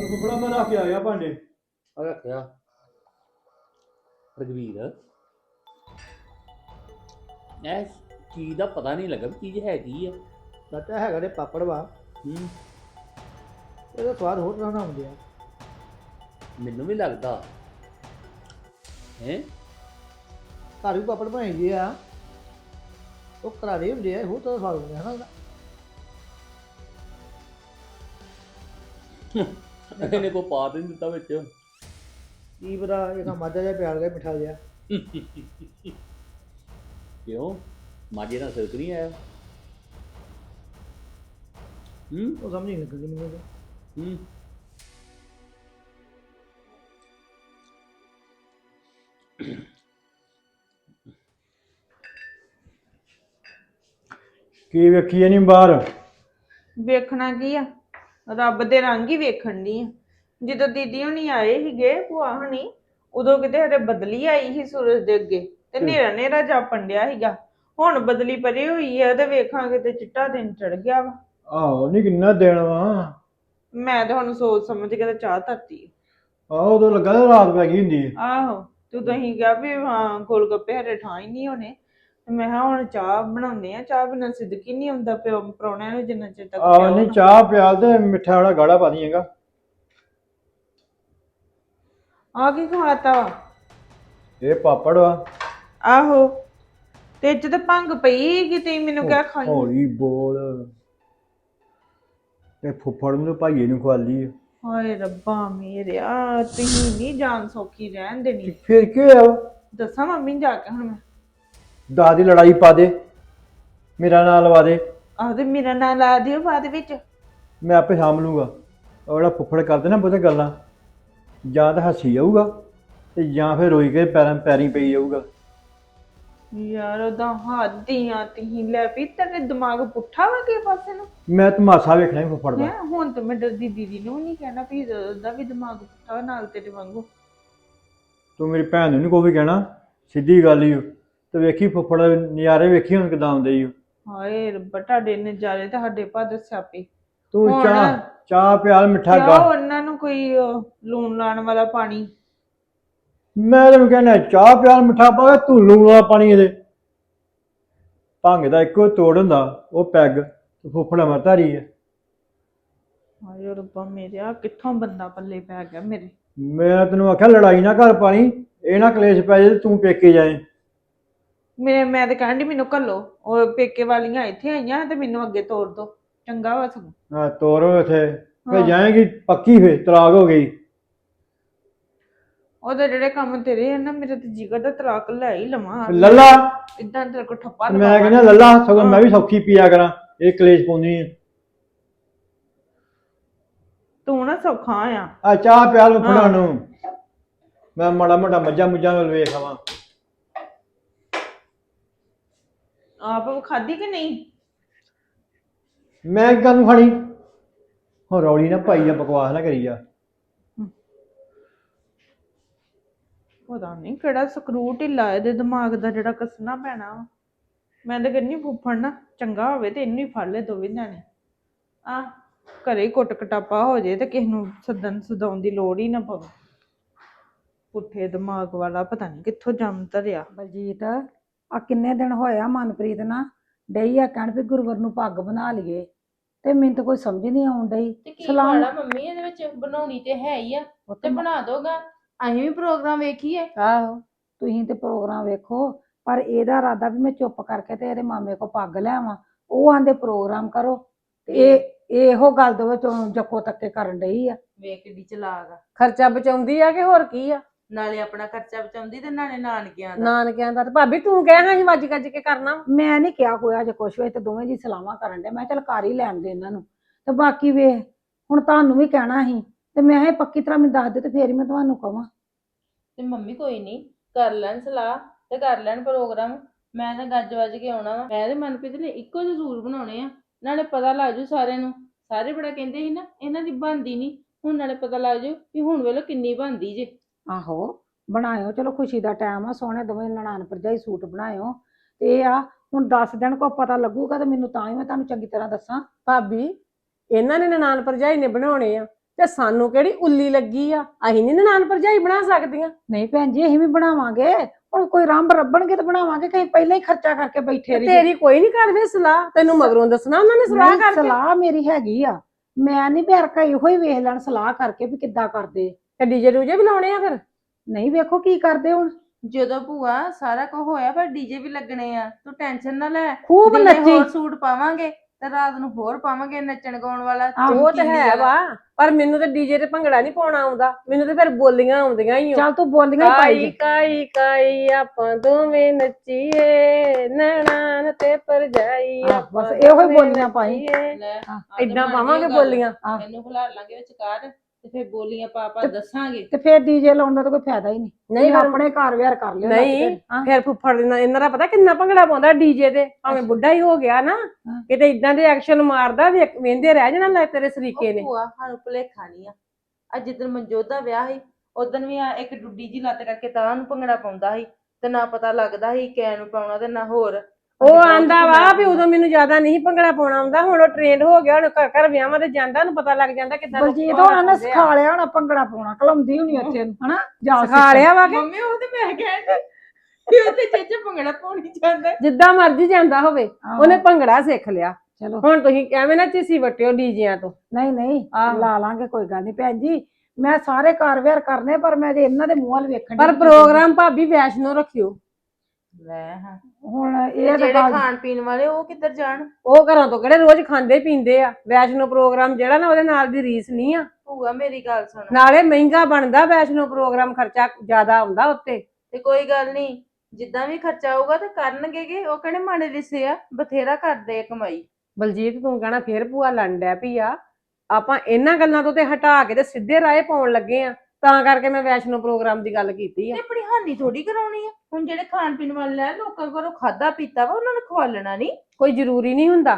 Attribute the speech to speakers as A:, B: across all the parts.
A: ਫੁੱਫੜਾ ਮੈਂ ਰੱਖ ਕੇ ਆ ਗਿਆ ਭਾਂਡੇ।
B: ਆ ਰੱਖਿਆ ਰਘਵੀਰ। ਐ ਚੀਜ਼ ਦਾ ਪਤਾ ਨਹੀਂ ਲੱਗਾ ਵੀ ਚੀਜ਼ ਹੈ ਕੀ ਆ।
C: ਚਾਚਾ ਹੈਗਾ ਤੇ ਪਾਪੜ ਵਾ,
B: ਹੂੰ
C: ਇਹਦਾ ਸਵਾਦ ਹੋਰ ਤਰ੍ਹਾਂ ਦਾ ਹੁੰਦੇ ਆ।
B: ਮੈਨੂੰ ਵੀ ਲੱਗਦਾ ਹੈ।
C: ਘਰ ਵੀ ਪਾਪੜ ਬਣਾਈ ਦੇ ਆ, ਉਹ ਕਰਾਰੇ ਹੁੰਦੇ ਆ, ਹੋਰ ਤਰ੍ਹਾਂ ਦਾ ਸਵਾਦ ਹੁੰਦੇ ਹਨਾ ਉਹਦਾ।
B: ਇਹਨੇ ਕੋ ਪਾ ਦੇ ਨੀ ਦਿੱਤਾ ਵਿੱਚ।
C: ਕੀ ਪਤਾ ਇਹ ਤਾਂ ਮਾਝਾ ਜਿਹਾ ਪਿਆਰ ਗਿਆ ਮਿੱਠਾ ਜਿਹਾ।
B: ਕਿਉਂ ਮਾਝੇ ਨਾਲ ਸਿਰਕ ਨਹੀਂ ਆਇਆ?
C: ਉਹ ਸਮਝ ਨਹੀਂ ਲੱਗਦੀ ਮੈਨੂੰ ਤਾਂ।
B: ਹੂੰ
A: ਕੀ ਵੇਖੀਏ ਨਹੀਂ ਬਾਹਰ?
D: ਵੇਖਣਾ ਕੀ ਆ, ਰੱਬ ਦੇ ਰੰਗ ਹੀ ਵੇਖਣ ਦੀ ਆ। ਜਦੋਂ ਦੀਦੀ ਹੁਣੀ ਆਏ ਸੀਗੇ ਭੂਆ ਹੁਣੀ, ਉਦੋਂ ਕਿਤੇ ਹਰੇ ਬਦਲੀ ਆਈ ਸੀ ਸੂਰਜ ਦੇ ਅੱਗੇ ਤੇ ਨੇਰਾ ਨੇਰਾ ਜਾਪਣ ਡਿਆ ਸੀਗਾ। ਹੁਣ ਬਦਲੀ ਪਰੇ ਹੋਈ ਆ ਤੇ ਵੇਖਾਂਗੇ ਤੇ ਚਿੱਟਾ ਦਿਨ ਚੜ ਗਿਆ ਵਾ।
A: ਆਹੋ ਨਹੀਂ ਕਿੰਨਾ ਦੇਣ ਵਾ।
D: ਮੈਂ ਤਾਂ ਹੁਣ ਸੋਚ ਸਮਝ ਕੇ ਤੇ ਚਾਹ ਧਰਤੀ
A: ਆਹੋ ਉਦੋਂ ਲੱਗਾ ਤੇ ਰਾਤ ਪੈ ਗਈ ਹੁੰਦੀ।
D: ਆਹੋ ਤੂੰ ਤੁਸੀਂ ਕਿਹਾ ਵੀ ਹਾਂ ਗੋਲ ਗੱਪੇ ਹਰੇ ਠਾਂ ਹੀ ਨਹੀਂ ਹੋਣੇ, ਤੇ ਮੈਂ ਕਿਹਾ ਹੁਣ ਚਾਹ ਬਣਾਉਂਦੇ ਆ, ਚਾਹ ਬਿਨਾਂ ਸਿੱਧਕ ਹੀ ਨਹੀਂ ਹੁੰਦਾ ਪ੍ਰਾਹੁਣਿਆਂ ਨੂੰ ਜਿੰਨਾ ਚਿਰ ਤੱਕ
A: ਆਹੋ
D: ਪਿਆਓ
A: ਨਹੀਂ
D: ਨਾ।
A: ਚਾਹ ਪਿਆਲ ਤੇ ਮਿੱਠਾ ਵਾਲਾ ਗਾੜਾ ਪਾ ਦੀਏਗਾ।
D: ਆ ਕੀ ਖਵਾਤਾ ਵਾ?
A: ਇਹ ਪਾਪੜ ਵਾ।
D: ਆਹੋ ਤੇ ਇੱਥੇ ਤਾਂ ਭੰਗ ਪਈ ਕਿਤੇ ਮੈਨੂੰ ਕਿਹਾ ਖਾਈ।
A: ਹੌਲੀ ਬੋਲ। ਤੇ ਫੁੱਫੜ ਨੂੰ ਤੇ ਭਾਈਏ ਨੂੰ ਖਵਾਲੀ ਆ।
D: ਹਾਏ ਰੱਬਾ ਮੇਰਿਆ, ਤੁਸੀਂ ਨਹੀਂ ਜਾਨ ਸੌਖੀ ਰਹਿਣ ਦੇਣੀ।
A: ਫਿਰ ਕੀ ਹੋਇਆ?
D: ਦੱਸਾਂ ਮੰਮੀ ਨੂੰ ਜਾ ਕੇ ਹੁਣ ਮੈਂ?
A: ਦਾਦੀ ਲੜਾਈ ਪਾ ਦੇ, ਮੇਰਾ ਨਾਂ ਲਵਾ ਦੇ,
D: ਆਹਦੇ ਮੇਰਾ ਨਾਂ ਲਾ ਦਿਓ ਬਾਅਦ ਵਿੱਚ।
A: ਮੈਂ ਆਪੇ ਸਾਂਭ ਲੂੰਗਾ। ਉਹ ਜਿਹੜਾ ਫੁੱਫੜ ਕਰਦੇ ਨਾ ਬਹੁਤੇ ਗੱਲਾਂ, ਜਾਂ ਤਾਂ ਹੱਸੀ ਜਾਊਗਾ ਤੇ ਜਾਂ ਫਿਰ ਰੋਈ ਕੇ ਪੈਰੀਂ ਪਈ ਜਾਊਗਾ।
D: ਯਾਰ ਉਹਦਾ ਹੱਦੀਆਂ ਤੁਸੀਂ ਲੈ ਪਈ, ਤੇਰੇ ਦਿਮਾਗ ਪੁੱਠਾ ਵਾ ਕਿਸੇ ਪਾਸੇ ਨੂੰ।
A: ਮੈਂ ਤਮਾਸ਼ਾ ਵੇਖਣਾ ਹੀ ਫੁੱਫੜ ਦਾ।
D: ਹੈਂ ਹੁਣ ਤਾਂ ਮੈਂ ਡਰਦੀ ਦੀਦੀ ਨੂੰ ਨਹੀਂ ਕਹਿਣਾ ਵੀ ਉਹਦਾ ਵੀ ਦਿਮਾਗ ਪੁੱਠਾ ਨਾਲ ਤੇਰੇ ਵਾਂਗੂ।
A: ਤੂੰ ਮੇਰੀ ਭੈਣ ਨੂੰ ਨਹੀਂ ਕੋਈ ਵੀ ਕਹਿਣਾ, ਸਿੱਧੀ ਗੱਲ ਹੀ ਓ। ਤੇ ਵੇਖੀ ਫੁੱਫੜ ਨਜ਼ਾਰੇ ਵੇਖੀ ਹੁਣ ਕਿਦਾਂ ਆਉਂਦੇ ਈ ਓ।
D: ਹਾਏ ਰੱਬਾ ਤੁਹਾਡੇ ਨਜ਼ਾਰੇ ਤੇ ਸਾਡੇ ਭਾਦਰ ਸਿਆਪੇ।
A: ਤੂੰ
D: ਹੁਣ
A: ਚਾਹ ਪਿਆਲ ਮਿੱਠਾ
D: ਕਿਆ
A: ਗਾ।
D: ਉਹਨਾਂ ਨੂੰ ਕੋਈ ਲੂਣ ਲਾਣ ਵਾਲਾ ਪਾਣੀ।
A: ਮੈਂ ਤੈਨੂੰ ਕਹਿਣਾ ਚਾਹ ਪਿਆਲ ਮਿੱਠਾ ਪਾ ਕੇ ਤੂੰ ਲੂਣ ਵਾਲਾ ਪਾਣੀ ਇਹਦੇ। ਭੰਗ ਦਾ ਇੱਕੋ ਤੋੜ ਹੁੰਦਾ, ਉਹ ਪੈਗ ਤੇ ਫੁੱਫੜ ਅਮਰਧਾਰੀ ਹੈ।
D: ਹਾਏ ਰੱਬਾ ਮੇਰਿਆ, ਕਿੱਥੋਂ ਬੰਦਾ ਪੱਲੇ ਪੈ ਗਿਆ ਮੇਰੇ।
A: ਮੈਂ ਤੈਨੂੰ ਆਖਿਆ ਲੜਾਈ ਨਾ ਕਰ ਪਾਣੀ, ਇਹ ਨਾ ਕਲੇਸ਼ ਪੈ ਜਾਏ ਤੂੰ ਪੇਕੇ ਜਾਏ।
D: ਮੈਂ ਤਾਂ ਕਹਿਣ ਡਈ ਮੈਨੂੰ ਘੱਲੋ, ਉਹ ਪੇਕੇ ਵਾਲੀਆਂ ਇੱਥੇ ਆਈਆਂ ਤੇ ਮੈਨੂੰ ਅੱਗੇ ਤੋਰ ਦੋ, ਚੰਗਾ ਵਾ ਸਗੋਂ।
A: ਹਾਂ ਤੋਰੋ ਇੱਥੇ, ਫਿਰ
D: ਹਾਂ।
A: ਜਾਏਗੀ ਪੱਕੀ, ਫਿਰ ਤਲਾਕ ਹੋ ਗਈ।
D: ਉਹਦੇ ਜਿਹੜੇ ਕੰਮ ਤੇਰੇ ਆ ਨਾ, ਮੇਰੇ ਤੇ ਜਿਗਰ ਦਾ ਤਲਾਕ ਲੈ ਹੀ ਲਵਾਂ।
A: ਲੱਲਾ
D: ਇਦਾਂ ਤੇਰੇ ਕੋਲ ਠੱਪਾ
A: ਮੈਂ ਕਹਿੰਦਾ ਲੱਲਾ ਸਗੋਂ ਮੈਂ ਵੀ ਸੌਖੀ ਪੀਆ ਕਰਾਂ, ਇਹ ਕਲੇਸ਼ ਪਾਉਂਦੀ ਆ।
D: ਤੂੰ ਨਾ ਸੌਖਾ ਆ।
A: ਆ ਚਾਹ ਪਿਆਲ ਨੂੰ ਫੜਾ ਨੂੰ, ਮੈਂ ਮਾੜਾ ਮੋਟਾ ਮੱਝਾਂ ਮੁੱਝਾਂ ਵੱਲ ਵੇਖ ਆਵਾਂ।
D: ਆਪ ਖਾਧੀ ਕਿ ਨਹੀਂ?
A: ਮੈਂ ਗੱਲ ਨੂੰ ਖਾਣੀ ਹੁਣ, ਰੌਲੀ ਨਾ ਪਾਈ ਜਾ, ਬਕਵਾਸ ਨਾ ਕਰੀ ਜਾ।
D: ਪਤਾ ਨਹੀਂ ਕਿਹੜਾ ਸਕਰੂ ਢਿੱਲਾ ਇਹਦੇ ਦਿਮਾਗ ਦਾ ਜਿਹੜਾ ਕੱਸਣਾ ਪੈਣਾ ਵਾ। ਮੈਂ ਤਾਂ ਕਹਿੰਦੀ ਫੁੱਫੜ ਨਾ ਚੰਗਾ ਹੋਵੇ ਤੇ ਇਹਨੂੰ ਹੀ ਫੜ ਲੈ ਦੋਵੇਂ ਜਾਣੇ। ਆ ਘਰੇ ਕੁੱਟ ਕਟਾਪਾ ਹੋ ਜੇ ਤੇ ਕਿਸੇ ਨੂੰ ਸੱਦਣ ਸਦਾਉਣ ਦੀ ਲੋੜ ਹੀ ਨਾ ਪਵੇ। ਪੁੱਠੇ ਦਿਮਾਗ ਵਾਲਾ ਪਤਾ ਨਹੀਂ ਕਿੱਥੋਂ ਜੰਮ ਧਰਿਆ।
E: ਬਲਜੀਤ ਆ ਕਿੰਨੇ ਦਿਨ ਹੋਇਆ ਮਨਪ੍ਰੀਤ ਨਾ ਡਈ ਆ ਕਹਿਣ ਵੀ ਗੁਰਵਰ ਨੂੰ ਪੱਗ ਬਣਾ ਲਈਏ, ਤੇ ਮੈਨੂੰ ਤਾਂ ਕੋਈ ਸਮਝ ਨਹੀਂ ਆਉਣ ਡਈ।
F: ਤੇ ਕੀ ਖਾਣਾ ਮੰਮੀ ਇਹਦੇ ਵਿੱਚ ਬਣਾਉਣੀ ਤੇ ਹੈ ਹੀ ਆ, ਤੇ ਬਣਾ ਦੋਗਾ। ਅਸੀਂ ਵੀ ਪ੍ਰੋਗਰਾਮ ਵੇਖੀਏ।
E: ਆਹੋ ਤੁਸੀਂ ਤੇ ਪ੍ਰੋਗਰਾਮ ਵੇਖੋ, ਪਰ ਇਹਦਾ ਇਰਾਦਾ ਵੀ ਮੈਂ ਚੁੱਪ ਕਰਕੇ ਤੇ ਇਹਦੇ ਮਾਮੇ ਕੋ ਪੱਗ ਲੈ ਆਵਾਂ। ਉਹ ਆਂਦੇ ਪ੍ਰੋਗਰਾਮ ਕਰੋ, ਤੇ ਇਹੋ ਗੱਲ ਦੇ ਵਿੱਚ ਜੱਕੋ ਤੱਕੇ ਕਰਨ ਡਈ ਆ।
F: ਵੇਖ ਕਿੱਡੀ ਚਲਾਕ ਆ,
E: ਖਰਚਾ ਬਚਾਉਂਦੀ ਆ ਕਿ ਹੋਰ ਕੀ ਆ।
F: ਨਾਲੇ ਆਪਣਾ ਖਰਚਾ ਬਚਾਉਂਦੀ ਤੇ ਨਾਲੇ ਨਾਨਕਿਆਂ ਦਾ।
E: ਨਾਨਕਿਆਂ ਦਾ ਤੇ ਭਾਬੀ ਤੂੰ ਕਹਿਣਾ ਸੀ ਵੱਜ ਗੱਜ ਕੇ ਕਰਨਾ। ਮੈਂ ਨਹੀਂ ਕਿਹਾ ਕੋਈ ਅਜੇ ਕੁਛ ਵੀ, ਤੇ ਦੋਵੇਂ ਜੀ ਸਲਾਹਾਂ ਕਰਨ ਦੇ। ਮੈਂ ਚੱਲ ਕਰ ਹੀ ਲੈਣ ਦੇ ਇਹਨਾਂ ਨੂੰ, ਤੇ ਬਾਕੀ ਵੇਖ ਹੁਣ ਤੁਹਾਨੂੰ ਵੀ ਕਹਿਣਾ ਸੀ, ਤੇ ਮੈਂ ਇਹ ਪੱਕੀ ਤਰ੍ਹਾਂ ਮੈਨੂੰ ਦੱਸ ਦੇ ਤੇ ਫੇਰ ਹੀ ਮੈਂ ਤੁਹਾਨੂੰ ਕਵਾਂ।
F: ਤੇ ਮੰਮੀ ਕੋਈ ਨਹੀਂ, ਕਰ ਲੈਣ ਸਲਾਹ ਤੇ ਕਰ ਲੈਣ ਪ੍ਰੋਗਰਾਮ। ਮੈਂ ਤਾਂ ਗੱਜ ਵੱਜ ਕੇ ਆਉਣਾ ਵਾ। ਮੈਂ ਤੇ ਮਨਪ੍ਰੀਤ ਨੇ ਇੱਕੋ ਜਿਹੇ ਜ਼ਰੂਰ ਬਣਾਉਣੇ ਆ, ਨਾਲੇ ਪਤਾ ਲੱਗ ਜੂ ਸਾਰਿਆਂ ਨੂੰ। ਸਾਰੇ ਬੜਾ ਕਹਿੰਦੇ ਸੀ ਨਾ ਇਹਨਾਂ ਦੀ ਬਣਦੀ ਨਹੀਂ, ਹੁਣ ਨਾਲੇ ਪਤਾ ਲੱਗ ਜੂ ਵੀ ਹੁਣ ਵੇਲੇ ਕਿੰਨੀ ਬਣਦੀ ਜੇ।
E: ਆਹੋ ਬਣਾਇਓ, ਚਲੋ ਖੁਸ਼ੀ ਦਾ ਟਾਈਮ ਆ, ਸੋਹਣੇ ਦੋਵੇਂ ਨਨਾਣ ਭਰਜਾਈ ਸੂਟ ਬਣਾਇਓ। ਤੇ ਆ ਹੁਣ 10 ਦਿਨ ਕੋ ਪਤਾ ਲੱਗੂਗਾ ਤੇ ਮੈਨੂੰ ਤਾਂ ਹੀ ਮੈਂ ਤੁਹਾਨੂੰ ਚੰਗੀ ਤਰ੍ਹਾਂ ਦੱਸਾਂ।
G: ਭਾਬੀ ਇਹਨਾਂ ਨੇ ਨਨਾਣ ਭਰਜਾਈ ਨੇ ਬਣਾਉਣੇ ਆ, ਤੇ ਸਾਨੂੰ ਕਿਹੜੀ ਉੱਲੀ ਲੱਗੀ ਆ, ਅਸੀਂ ਨਹੀਂ ਨਨਾਣ ਭਰਜਾਈ ਬਣਾ ਸਕਦੀਆਂ।
E: ਨਹੀਂ ਭੈਣ ਜੀ ਅਸੀਂ ਵੀ ਬਣਾਵਾਂਗੇ, ਹੁਣ ਕੋਈ ਰੰਬ ਰੱਬਣਗੇ ਤਾਂ ਬਣਾਵਾਂਗੇ, ਕਹੀਂ ਪਹਿਲਾਂ ਹੀ ਖਰਚਾ ਕਰਕੇ ਬੈਠੇ
G: ਤੇ
E: ਰਹੀਏ।
G: ਤੇਰੀ ਕੋਈ ਨਹੀਂ ਕਰਦੇ ਸਲਾਹ, ਤੈਨੂੰ ਮਗਰੋਂ ਦੱਸਣਾ ਉਹਨਾਂ ਨੇ ਸਲਾਹ
E: ਨਹੀਂ,
G: ਕਰਕੇ।
E: ਸਲਾਹ ਮੇਰੀ ਹੈਗੀ ਆ, ਮੈਂ ਨਹੀਂ ਬਿਆਰਕਾ ਇਹੋ ਹੀ ਵੇਖ ਲੈਣ ਸਲਾਹ ਕਰਕੇ ਵੀ ਕਿੱਦਾਂ ਕਰਦੇ।
G: ਤੇ ਡੀਜੇ ਡੂਜੇ ਵੀ ਲਾਉਣੇ ਆ ਫਿਰ?
E: ਨਹੀਂ ਵੇਖੋ ਕੀ ਕਰਦੇ ਹੁਣ।
F: ਜਦੋਂ ਭੂਆ ਸਾਰਾ ਕੁਝ ਹੋਇਆ ਪਰ ਡੀਜੇ ਵੀ ਲੱਗਣੇ ਆ, ਤੂੰ ਟੈਨਸ਼ਨ ਨਾ ਲੈ।
E: ਖੂਬ
F: ਦਿਨੇ
E: ਨੱਚੀ।
F: ਹੋਰ ਸੂਟ ਪਾਵਾਂਗੇ ਤੇ ਰਾਤ ਨੂੰ ਹੋਰ ਪਾਵਾਂਗੇ ਨੱਚਣ ਗਾਉਣ ਵਾਲਾ।
G: ਉਹ ਤੇ
F: ਚਮਕੀਲੀ
G: ਹੈ
F: ਵਾਲਾ।
G: ਵਾ, ਪਰ ਮੈਨੂੰ ਤੇ ਡੀਜੇ ਤੇ ਭੰਗੜਾ ਨਹੀਂ ਪਾਉਣਾ ਆਉਂਦਾ, ਮੈਨੂੰ ਤੇ ਫਿਰ ਬੋਲੀਆਂ ਆਉਂਦੀਆਂ ਹੀ ਆ।
E: ਚੱਲ ਤੂੰ ਬੋਲੀਆਂ ਹੀ ਪਾਈ
G: ਕਾਈ
E: ਜਾ।
G: ਕਾਈ ਕਾਈ ਆਪਾਂ ਦੋਵੇਂ ਨੱਚੀਏ, ਨੈਣਾਂ ਤੇ ਪਰਜਾਈ
E: ਆਹ,
G: ਆਪਾਂ
E: ਬਸ ਇਹੋ ਹੀ
G: ਦੋਵੇਂ
E: ਬੋਲੀਆਂ ਪਾਈ।
G: ਨੱਚੀਏ।
F: ਲੈ
E: ਹਾਂ,
F: ਆਹ ਤੇ
G: ਏਦਾਂ
F: ਬਣ
G: ਪਾਵਾਂਗੇ
F: ਗਈ ਗੱਲ।
G: ਬੋਲੀਆਂ।
E: ਆਹ।
F: ਇਹਨੂੰ ਖਿਲਾ ਲਾਂਗੇ ਵਿਚਕਾਰ ਤੇ ਫਿਰ ਬੋਲੀਆਂ ਪਾ ਪਾ
E: ਤੇ-
F: ਦੱਸਾਂਗੇ।
E: ਤੇ ਫਿਰ ਡੀਜੇ ਲਾਉਣ ਦਾ ਤਾਂ ਕੋਈ ਫਾਇਦਾ ਹੀ ਨਹੀਂ।
G: ਨਹੀਂ
E: ਤੁਸੀਂ
G: ਫਿਰ-
E: ਆਪਣੇ ਘਰ ਵਿਆਹ ਕਰ ਲਿਓ।
G: ਨਹੀਂ
E: ਹਾਂ।
G: ਫਿਰ ਫੁੱਫੜ ਇਹਨਾਂ ਦਾ ਪਤਾ ਕਿੰਨਾ ਭੰਗੜਾ ਪਾਉਂਦਾ ਡੀਜੇ ਤੇ, ਭਾਵੇਂ ਬੁੱਢਾ ਹੀ ਹੋ ਗਿਆ ਨਾ,
E: ਹਾਂ।
G: ਕਿਤੇ ਇਦਾਂ ਦੇ ਐਕਸ਼ਨ ਮਾਰਦਾ ਵੇਂਦੇ ਰਹਿ ਜਾਣਾ ਲੈ ਤੇਰੇ ਸਰੀਕੇ
F: ਉਹ
G: ਨੇ।
F: ਭੂਆ ਸਾਨੂੰ ਭੁਲੇਖਾ ਨਹੀਂ ਆ। ਅੱਜ ਜਿੱਦਣ ਮਨਜੋਤ ਦਾ ਵਿਆਹ ਸੀ ਉਦੋਂ ਵੀ ਆ ਇੱਕ ਡੁੱਡੀ ਜੀ ਲੱਤ ਕਰਕੇ ਤਾਂ ਨੂੰ ਭੰਗੜਾ ਪਾਉਂਦਾ ਸੀ ਤੇ ਨਾ ਪਤਾ ਲੱਗਦਾ ਸੀ ਕੈ ਨੂੰ ਪਾਉਣਾ ਤੇ ਨਾ ਹੋਰ।
G: ਉਹ
F: ਬਹੁਤ
G: ਆਂਦਾ ਵਾ
F: ਭੰਗੜਾ
G: ਵੀ ਉਦੋਂ ਮੈਨੂੰ ਜ਼ਿਆਦਾ ਨਹੀਂ ਭੰਗੜਾ ਪਾਉਣਾ ਆਉਂਦਾ, ਹੁਣ ਉਹ ਟ੍ਰੇਨਡ ਹੋ ਗਿਆ, ਹੁਣ ਘਰ ਘਰ ਵਿਆਹਾਂ ਤੇ ਜਾਂਦਾ, ਉਹਨੂੰ ਪਤਾ ਲੱਗ ਜਾਂਦਾ ਕਿੱਦਾਂ ਲੋਕੀ
E: ਬਲਜੀਤ
G: ਭੰਗੜਾ
E: ਹੋਣਾ ਨੇ
G: ਪਾਉਂਦੇ ਆ।
E: ਸਿਖਾ ਲਿਆ ਹੋਣਾ ਭੰਗੜਾ ਪਾਉਣਾ, ਕਲਮਦੀ ਹੋਣੀ ਉੱਥੇ ਨੂੰ, ਹਨਾ ਜਾ
G: ਸਿਖਾ ਲਿਆ ਵਾ ਕਿ
F: ਮੰਮੀ ਉਹ ਤੇ ਮੈਂ ਕਹਿੰਦੀ ਕਿ ਉਹ ਤੇ ਚੇਚੇ ਭੰਗੜਾ ਪਾਉਣੀ ਜਾਂਦਾ।
G: ਜਿੱਦਾਂ ਮਰਜ਼ੀ ਜਾਂਦਾ ਹੋਵੇ
E: ਆਹੋ।
G: ਉਹਨੇ ਭੰਗੜਾ ਸਿੱਖ ਲਿਆ।
E: ਚਲੋ
G: ਹੁਣ ਤੁਸੀਂ ਐਵੇਂ ਨਾ ਚੀਸੀ ਵਟਿਓ ਡੀਜਿਆਂ ਤੋਂ।
E: ਨਹੀਂ ਨਹੀਂ
G: ਆਹੋ।
E: ਲਾ ਲਾਂਗੇ, ਕੋਈ ਗੱਲ ਨਹੀਂ ਭੈਣ ਜੀ, ਮੈਂ ਸਾਰੇ ਘਰ ਵਿਆਹ ਕਰਨੇ, ਪਰ ਮੈਂ ਜੇ ਇਹਨਾਂ ਦੇ ਮੂੰਹ ਵੱਲ ਵੇਖਣ
G: ਪਰ
E: ਡਈ
G: ਪ੍ਰੋਗਰਾਮ ਭਾਬੀ ਵੈਸ਼ਨੋ ਰੱਖਿਓ।
F: ਲੈ ਹਾਂ
E: ਹੁਣ
F: ਤੇ
E: ਇਹ ਤਾਂ
F: ਜਿਹੜੇ
E: ਗੱਲ
F: ਖਾਣ ਪੀਣ ਵਾਲੇ ਉਹ ਕਿੱਧਰ ਜਾਣ?
G: ਉਹ ਘਰਾਂ ਤੋਂ ਕਿਹੜੇ ਰੋਜ਼ ਖਾਂਦੇ ਪੀਂਦੇ ਆ, ਵੈਸ਼ਨੋ ਪ੍ਰੋਗਰਾਮ ਜਿਹੜਾ ਨਾ ਉਹਦੇ ਨਾਲ ਦੀ ਰੀਸ ਨਹੀਂ ਆ।
F: ਭੂਆ ਮੇਰੀ ਗੱਲ ਸੁਣ।
G: ਨਾਲੇ ਮਹਿੰਗਾ ਬਣਦਾ ਵੈਸ਼ਨੋ ਪ੍ਰੋਗਰਾਮ, ਖਰਚਾ ਜ਼ਿਆਦਾ ਆਉਂਦਾ ਉੱਤੇ।
F: ਤੇ ਕੋਈ ਗੱਲ ਨਹੀਂ, ਜਿੱਦਾਂ ਵੀ ਖਰਚਾ ਆਊਗਾ ਤੇ ਕਰਨਗੇ ਗੇ, ਉਹ ਕਹਿੰਦੇ ਮਾੜੇ ਲਿਸੇ ਆ, ਬਥੇਰਾ ਕਰਦੇ ਆ ਕਮਾਈ।
G: ਬਲਜੀਤ ਤੂੰ ਕਹਿਣਾ ਫੇਰ ਭੂਆ ਲੰਡ ਡੈ ਪਈ ਆ, ਆਪਾਂ ਇਹਨਾਂ ਗੱਲਾਂ ਤੋਂ ਤੇ ਹਟਾ ਕੇ ਤੇ ਸਿੱਧੇ ਰਾਹ ਪਾਉਣ ਲੱਗੇ ਆ, ਤਾਂ ਕਰਕੇ ਮੈਂ ਵੈਸ਼ਨੋ ਪ੍ਰੋਗਰਾਮ ਦੀ ਗੱਲ ਕੀਤੀ ਆ।
F: ਤੇ ਆਪਣੀ ਹਾਨੀ ਥੋੜੀ ਕਰਾਉਣੀ ਆ। ਹੁਣ ਜਿਹੜੇ ਖਾਣ ਪੀਣ ਵਾਲੇ ਆ ਲੋਕਾਂ ਕੋਲੋਂ ਖਾਦਾ ਪੀਤਾ ਵਾ ਉਹਨਾਂ ਨੂੰ ਖਵਾਲਣਾ ਨਹੀਂ।
G: ਕੋਈ ਜ਼ਰੂਰੀ ਨਹੀਂ ਹੁੰਦਾ,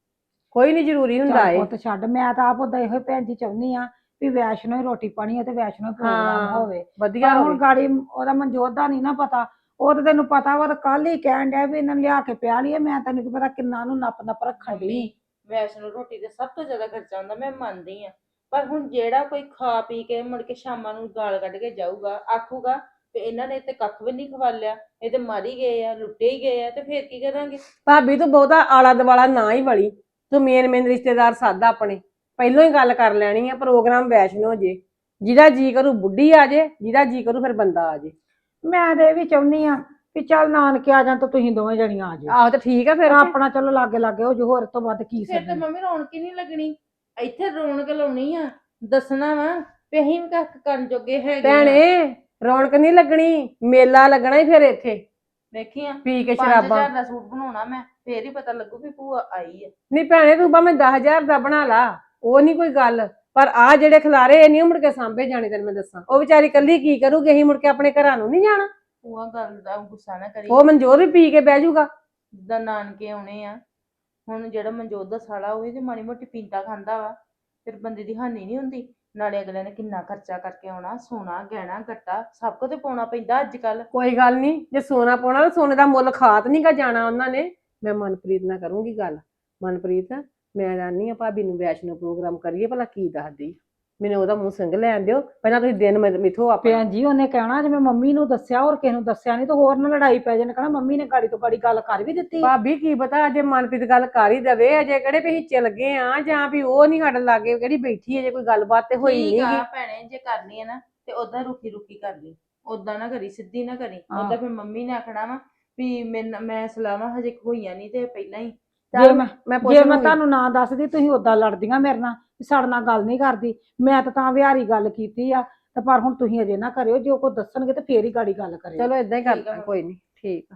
G: ਕੋਈ ਨਹੀਂ ਜ਼ਰੂਰੀ ਹੁੰਦਾ
E: ਚੱਲ
G: ਏ।
E: ਪੁੱਤ ਛੱਡ, ਮੈਂ ਤਾਂ ਆਪ ਉਦਾਂ ਇਹੋ ਹੀ ਭੈਣ ਜੀ ਚਾਹੁੰਦੀ ਆ ਵੀ ਵੈਸ਼ਨੋ ਹੀ ਰੋਟੀ ਪਾਣੀ ਹੈ ਤੇ ਵੈਸ਼ਨੋ ਹੀ ਪ੍ਰੋਗਰਾਮ
G: ਹਾਂ,
E: ਹੋਵੇ।
G: ਵਧੀਆ
E: ਪਰ ਹੁਣ
G: ਹੋਵੇ।
E: ਗਾੜੀ ਉਹਦਾ ਮਨਜੋਤ ਦਾ ਨਹੀਂ ਨਾ ਪਤਾ, ਉਹ ਤਾਂ ਤੈਨੂੰ ਪਤਾ ਵਾ, ਤਾਂ ਕੱਲ ਹੀ ਕਹਿਣ ਡਿਆ ਵੀ ਇਹਨਾਂ ਨੂੰ ਲਿਆ ਕੇ ਪਿਆ ਲਈਏ, ਮੈਂ ਤੈਨੂੰ ਕੀ ਪਤਾ ਕਿੰਨਾ ਨੂੰ ਨੱਪ ਰੱਖਣ ਡਈ।
F: ਵੈਸ਼ਨੋ ਰੋਟੀ ਤੇ ਸਭ ਤੋਂ ਜ਼ਿਆਦਾ ਖਰਚਾ ਹੁੰਦਾ, ਮੈਂ ਮੰਨਦੀ ਆ। ਪਰ ਹੁਣ ਜਿਹੜਾ ਕੋਈ ਖਾ ਪੀ ਕੇ ਮੁੜ ਕੇ ਸ਼ਾਮਾਂ ਨੂੰ ਗਾਲ ਕੱਢ ਕੇ ਜਾਊਗਾ, ਆਖੂਗਾ ਤੇ ਇਹਨਾਂ ਨੇ ਤੇ ਕੱਖ ਵੀ ਨਹੀਂ ਖਵਾਲਿਆ, ਇਹ ਤੇ ਮਾਰੀ ਗਏ ਆ, ਲੁੱਟੇ ਹੀ ਗਏ ਆ, ਤੇ ਫੇਰ ਕੀ ਕਰਾਂਗੇ?
G: ਭਾਬੀ ਤੂੰ ਬਹੁਤਾ ਆਲਾ ਦਵਾਲਾ ਨਾ ਹੀ ਵੜੀ, ਤੂੰ ਮੇਨ ਰਿਸ਼ਤੇਦਾਰ ਸਾਦਾ ਆਪਣੇ ਪਹਿਲਾਂ ਹੀ ਗੱਲ ਕਰ ਲੈਣੀ ਆ, ਪ੍ਰੋਗਰਾਮ ਵੈਸ਼ਨੋ ਜੇ, ਜਿਹਦਾ ਜੀ ਕਰੂ ਬੁੱਢੀ ਆ ਜੇ, ਜਿਹਦਾ ਜੀ ਕਰੂ ਫਿਰ ਬੰਦਾ ਆ ਜੇ।
E: ਮੈਂ ਤੇ ਇਹ ਵੀ ਚਾਹੁੰਦੀ ਆ ਵੀ ਚੱਲ ਨਾਨਕੇ ਆ ਜਾਣ ਤਾਂ ਤੁਸੀਂ ਦੋਵੇਂ ਜਣੀਆਂ ਆ ਜਾਓ,
G: ਆਹੋ ਤੇ ਠੀਕ ਆ ਫਿਰ।
E: ਆਪਣਾ ਚਲੋ ਲਾਗੇ ਲਾਗੇ ਹੋ ਜੋ, ਹੋਰ ਤੋਂ ਵੱਧ ਕੀ
F: ਫਿਰ ਤੇ
E: ਸਕੀ।
F: ਮੰਮੀ ਰੌਣਕ ਹੀ ਨਹੀਂ ਲੱਗਣੀ। ਇੱਥੇ ਰੌਣਕ ਲਾਉਣੀ ਆ, ਦੱਸਣਾ ਵਾ ਵੀ ਅਸੀਂ ਵੀ ਕੱਖ ਕਰਨ ਜੋਗੇ ਹੈਗੇ ਆ।
G: ਭੈਣੇ ਰੌਣਕ ਨਹੀਂ ਲੱਗਣੀ, ਮੇਲਾ ਲੱਗਣਾ ਹੀ ਫਿਰ ਇੱਥੇ
F: ਵੇਖੀ ਆ
G: ਪੀ ਕੇ
F: 5000
G: ਸ਼ਰਾਬਾਂ।
F: ਦਾ ਸੂਟ ਬਣਾਉਣਾ ਮੈਂ, ਫੇਰ ਹੀ ਪਤਾ ਲੱਗੂ ਵੀ ਭੂਆ ਆਈ ਆ।
G: ਨਹੀਂ ਭੈਣੇ ਤੂੰ ਭਾਵੇਂ 10,000 ਦਾ ਬਣਾ ਲਾ, ਉਹ ਨਹੀਂ ਕੋਈ ਗੱਲ, ਪਰ ਆ ਜਿਹੜੇ ਖਿਲਾਰੇ ਇਹ ਨਹੀਂ ਮੁੜ ਕੇ ਸਾਂਭੇ ਜਾਣੇ, ਤੈਨੂੰ ਮੈਂ ਦੱਸਾਂ। ਉਹ ਵਿਚਾਰੀ ਕੱਲੀ ਕੀ ਕਰੂਗੀ, ਅਸੀਂ ਮੁੜ ਕੇ ਆਪਣੇ ਘਰਾਂ ਨੂੰ ਨਹੀਂ ਜਾਣਾ।
F: ਭੂਆ ਗੱਲ ਦਾ ਗੁੱਸਾ ਨਾ ਕਰੀ।
G: ਉਹ ਮਨਜੋਤ ਵੀ ਪੀ ਕੇ ਬਹਿ ਜਾਊਗਾ।
F: ਜਿੱਦਾਂ ਨਾਨਕੇ ਆਉਣੇ ਆ, ਹੁਣ ਜਿਹੜਾ ਮਨਜੋਤ ਦਾ ਸਾਲਾ ਹੋਵੇ ਜੇ ਮਾੜੀ ਮੋਟੀ ਪੀਂਦਾ ਖਾਂਦਾ ਵਾ, ਫਿਰ ਬੰਦੇ ਦੀ ਹਾਨੀ ਨਹੀਂ ਹੁੰਦੀ। ਨਾਲੇ ਅਗਲੇ ਨੇ ਕਿੰਨਾ ਖਰਚਾ ਕਰਕੇ ਆਉਣਾ, ਸੋਨਾ ਗਹਿਣਾ ਗੱਟਾ ਸਭ ਕੁਝ ਤੇ ਪਾਉਣਾ ਪੈਂਦਾ ਅੱਜ ਕੱਲ।
G: ਕੋਈ ਗੱਲ ਨਹੀਂ, ਜੇ ਸੋਨਾ ਪਾਉਣਾ ਤਾਂ ਸੋਨੇ ਦਾ ਮੁੱਲ ਖਾਤ ਨਹੀਂ ਗਾ ਜਾਣਾ ਉਹਨਾਂ ਨੇ। ਮੈਂ ਮਨਪ੍ਰੀਤ ਨਾਲ ਕਰੂੰਗੀ ਗੱਲ। ਮਨਪ੍ਰੀਤ ਮੈਂ ਜਾਣੀ ਆ ਭਾਬੀ ਨੂੰ ਵੈਸ਼ਨੋ ਪ੍ਰੋਗਰਾਮ ਕਰੀਏ, ਭਲਾ ਕੀ ਦੱਸਦੀ, ਮੈਨੂੰ ਉਹਦਾ ਮੂੰਹ ਸਿੰਘ ਲੈਣ ਦਿਓ ਪਹਿਲਾਂ, ਤੁਸੀਂ ਦਿਨ ਮਿਥੋ ਆਪੇ।
E: ਭੈਣ ਜੀ ਉਹਨੇ ਕਹਿਣਾ ਜਿਵੇਂ ਮੰਮੀ ਨੂੰ ਦੱਸਿਆ ਹੋਰ ਕਿਸੇ ਨੂੰ ਦੱਸਿਆ ਨਹੀਂ, ਤਾਂ ਹੋਰ ਨਾ ਲੜਾਈ ਪੈ ਜਾਣ, ਕਹਿਣਾ ਮੰਮੀ ਨੇ ਗਾੜੀ ਤੋਂ ਗਾੜੀ ਗੱਲ ਕਰ ਵੀ ਦਿੱਤੀ।
G: ਭਾਬੀ ਕੀ ਪਤਾ ਅਜੇ ਮਨਪ੍ਰੀਤ ਗੱਲ ਕਰ ਹੀ ਦਵੇ, ਅਜੇ ਕਿਹੜੇ ਵੀ ਹਿੱਚੇ ਲੱਗੇ ਆ, ਜਾਂ ਵੀ ਉਹ ਨਹੀਂ ਸਾਡੇ ਲਾਗੇ ਕਿਹੜੀ ਬੈਠੀ ਹੈ, ਜੇ ਕੋਈ ਗੱਲਬਾਤ ਤੇ ਹੋਈ
F: ਠੀਕ
G: ਨਹੀਂ।
F: ਆ ਭੈਣੇ, ਜੇ ਕਰਨੀ ਹੈ ਨਾ ਤੇ ਓਦਾਂ ਰੁਕੀ ਰੁਕੀ ਕਰ ਲਈ, ਓਦਾਂ ਨਾ ਕਰੀ, ਸਿੱਧੀ ਨਾ ਕਰੀ।
E: ਹਾਂ।
F: ਓਦਾਂ ਫਿਰ ਮੰਮੀ ਨੇ ਆਖਣਾ ਵਾ ਵੀ ਮੈਂ ਸਲਾਹਾਂ ਹਜੇ ਹੋਈਆਂ ਨਹੀਂ ਤੇ ਪਹਿਲਾਂ ਹੀ।
E: ਜੇ ਮੈਂ
G: ਪੁੱਛ
E: ਜੇ ਮੈਂ
G: ਲੂੰਗੀ।
E: ਤੁਹਾਨੂੰ ਨਾ ਦੱਸਦੀ ਤੁਸੀਂ ਓਦਾਂ ਲੜਦੀਆਂ ਮੇਰੇ ਨਾਲ ਵੀ ਸਾਡੇ ਨਾਲ ਗੱਲ ਨਹੀਂ ਕਰਦੀ, ਮੈਂ ਤਾਂ ਵਿਹਾਰੀ ਗੱਲ ਕੀਤੀ ਆ, ਤੇ ਪਰ ਹੁਣ ਤੁਸੀਂ ਅਜੇ ਨਾ ਕਰਿਓ, ਜੇ ਉਹ ਕੋਈ ਦੱਸਣਗੇ ਤੇ ਫੇਰ ਹੀ ਗਾੜੀ ਗੱਲ ਕਰਿਓ।
G: ਚਲੋ ਏਦਾਂ ਹੀ
F: ਠੀਕ ਆ
G: ਕਰਦਾ,
F: ਮੰਮੀ।
G: ਕੋਈ ਨਹੀਂ, ਠੀਕ ਆ।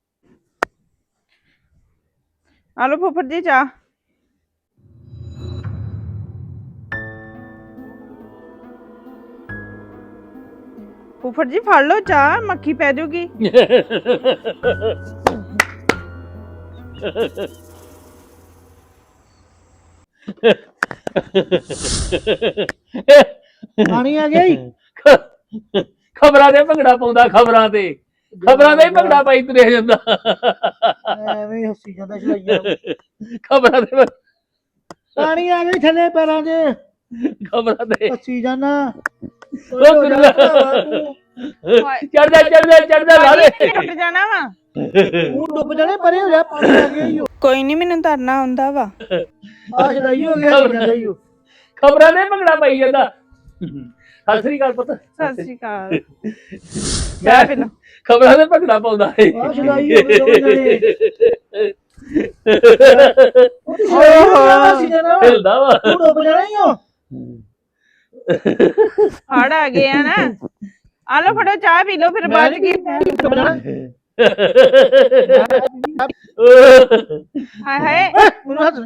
D: ਆ ਲਓ ਫੁੱਫੜ ਜੀ ਚਾਹ। ਫੁੱਫੜ ਜੀ ਫੜ ਲਓ ਚਾਹ, ਮੱਖੀ ਪੈ ਜਾਊਗੀ।
C: ਪਾਣੀ ਆ ਗਿਆ ਈ।
B: ਖਬਰਾਂ ਤੇ ਭੰਗੜਾ ਪਾਉਂਦਾ, ਖਬਰਾਂ ਤੇ ਹੀ ਭੰਗੜਾ ਪਾਈ ਤੁਰਿਆ ਜਾਂਦਾ।
C: ਐਵੇਂ ਹੀ ਹੱਸੀ ਜਾਂਦਾ ਛਲਾਈਆ।
B: ਖਬਰਾਂ ਤੇ
C: ਪਾਣੀ ਆ ਗਿਆ ਥੱਲੇ ਪੈਰਾਂ 'ਚ।
B: ਖਬਰਾਂ ਦੇ
C: ਹੱਸੀ ਜਾਣਾ
B: ਉਹ ਗੁਰੂਆ ਚੜਦਾ ਲਾ ਦੇ
D: ਟੁੱਟ ਜਾਣਾ ਵਾ
C: ਤੂੰ ਡੁੱਬ ਜਾਣੇ ਪਰੇ ਹੋ ਜਾ ਪਾਣੀ ਆ ਗਿਆ ਈ ਓ।
D: ਕੋਈ ਨਹੀਂ ਮੈਨੂੰ ਤਰਨਾ ਆਉਂਦਾ ਵਾ
C: ਆ ਛਦਾਈ ਹੋ ਗਿਆ ਜਾਂਦਾ ਈ ਓ।
B: ਖਬਰਾਂ ਦੇ ਭੰਗੜਾ ਪਾਈ ਜਾਂਦਾ ਸਤਿ ਸ੍ਰੀ ਅਕਾਲ ਪੁੱਤ
D: ਸਤਿ ਸ਼੍ਰੀ ਅਕਾਲ
B: ਮੈਂ ਖਬਰਾਂ ਦੇ ਭੰਗੜਾ ਪਾਉਂਦਾ ਹੈ
C: ਆ ਛਦਾਈ ਹੋ ਗਏ ਦੋਵੇਂ ਜਣੇ ਹੱਸੀ ਜਾਣਾ ਵਾ।
B: ਹਿਲਦਾ ਵਾ
C: ਤੂੰ ਡੁੱਬ ਜਾਣਾ ਈ ਓ।
D: ਹੜ ਆ ਗਏ ਆ ਨਾ ਆ ਲਓ ਫੜੋ ਚਾਹ ਪੀ ਲਓ ਫਿਰ ਬਾਅਦ ਚ ਕੀ
C: ਡੁੱਬ ਜਾਣਾ
D: ਹਾਏ ਹਾਏ
C: ਮੈਨੂੰ ਹੱਸ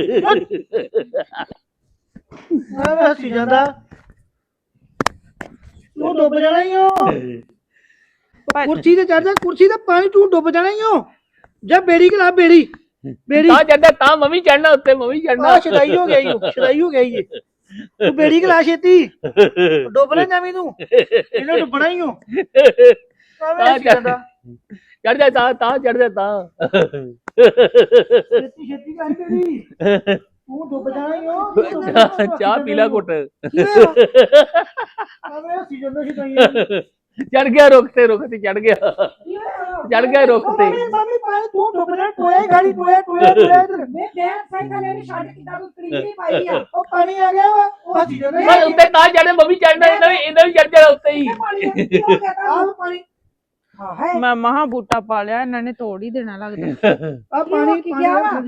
C: ਆ ਹੱਸੀ ਜਾਂਦਾ ਤੂੰ ਡੁੱਬ ਜਾਣਾ ਈ ਓ। ਕੁਰਸੀ ਤੇ ਚੜ ਜਾ ਕੁਰਸੀ ਤੇ ਪਾਣੀ ਤੂੰ ਡੁੱਬ ਜਾਣਾ ਈ ਓ। ਜਾ ਬੇੜੀ ਖਲਾ ਬੇੜੀ
B: ਤਾਂ ਚੜਦਾ ਤਾਂ ਮਮੀ ਚੜਨਾ ਉੱਤੇ ਮਮੀ ਚੜਨਾ
C: ਆ ਛਦਾਈ ਹੋ ਗਿਆ ਈ ਓ, ਛਦਾਈ ਹੋ ਗਿਆ ਈ ਇਹ। ਤੂੰ ਬੇੜੀ ਖਲਾ ਛੇਤੀ ਡੁੱਬ ਨਾ ਜਾਵੀਂ ਤੂੰ ਇਹਨੂੰ ਡੁੱਬਣਾ ਈ ਓ। ਆਵੇਂ ਹੱਸੀ ਜਾਂਦਾ
B: ਚੜ ਜਾ ਤਾਂ ਚੜ ਜਾ ਤਾਂ
C: ਛੇਤੀ ਛੇਤੀ ਕਰ ਬੇੜੀ ਤੂੰ ਡੁੱਬ ਜਾਣਾ ਈ ਓ।
B: ਚਾਹ ਪੀ ਲੈ ਘੁੱਟ
C: ਆਵੇਂ ਹੱਸੀ ਜਾਂਦਾ ਛਦਾਈ
B: ਚੜ ਗਿਆ ਰੁੱਖ ਤੇ ਚੜ ਗਿਆ ਚੜ ਗਿਆ ਰੁੱਖ ਤੇ
C: ਮਾਮੀ ਪਾਏ ਤੂੰ ਡੁੱਬ ਜਾ ਟੋਏ ਗਾੜੀ ਟੋਏ ਇੱਧਰ
E: ਮੈਂ ਸਾਈਕਲ ਇਹਨੂੰ ਛੱਡ ਕਿੱਦਾਂ ਤੂੰ ਤਰੀਕੀ ਪਾਈ ਆ
C: ਉਹ ਪਾਣੀ ਆ ਗਿਆ ਵਾ ਉਹ ਹੱਸੀ ਜਾਂਦਾ
B: ਮੈਂ ਉੱਤੇ ਤਾਂ ਚੜੇ ਮਮੀ ਚੜਨਾ ਇਹਨਾਂ ਵੀ ਚੜ ਜਾਣਾ ਉੱਤੇ ਹੀ
C: ਆ ਪਾਣੀ
E: ਹਾਂ ਹੈ
D: ਮੈਂ ਮਹਾ ਬੂਟਾ ਪਾ ਲਿਆ ਇਹਨਾਂ ਨੇ ਤੋੜ ਹੀ ਦੇਣਾ ਲੱਗਦਾ
C: ਆ ਪਾਣੀ
E: ਕੀ ਗਿਆ ਵਾ?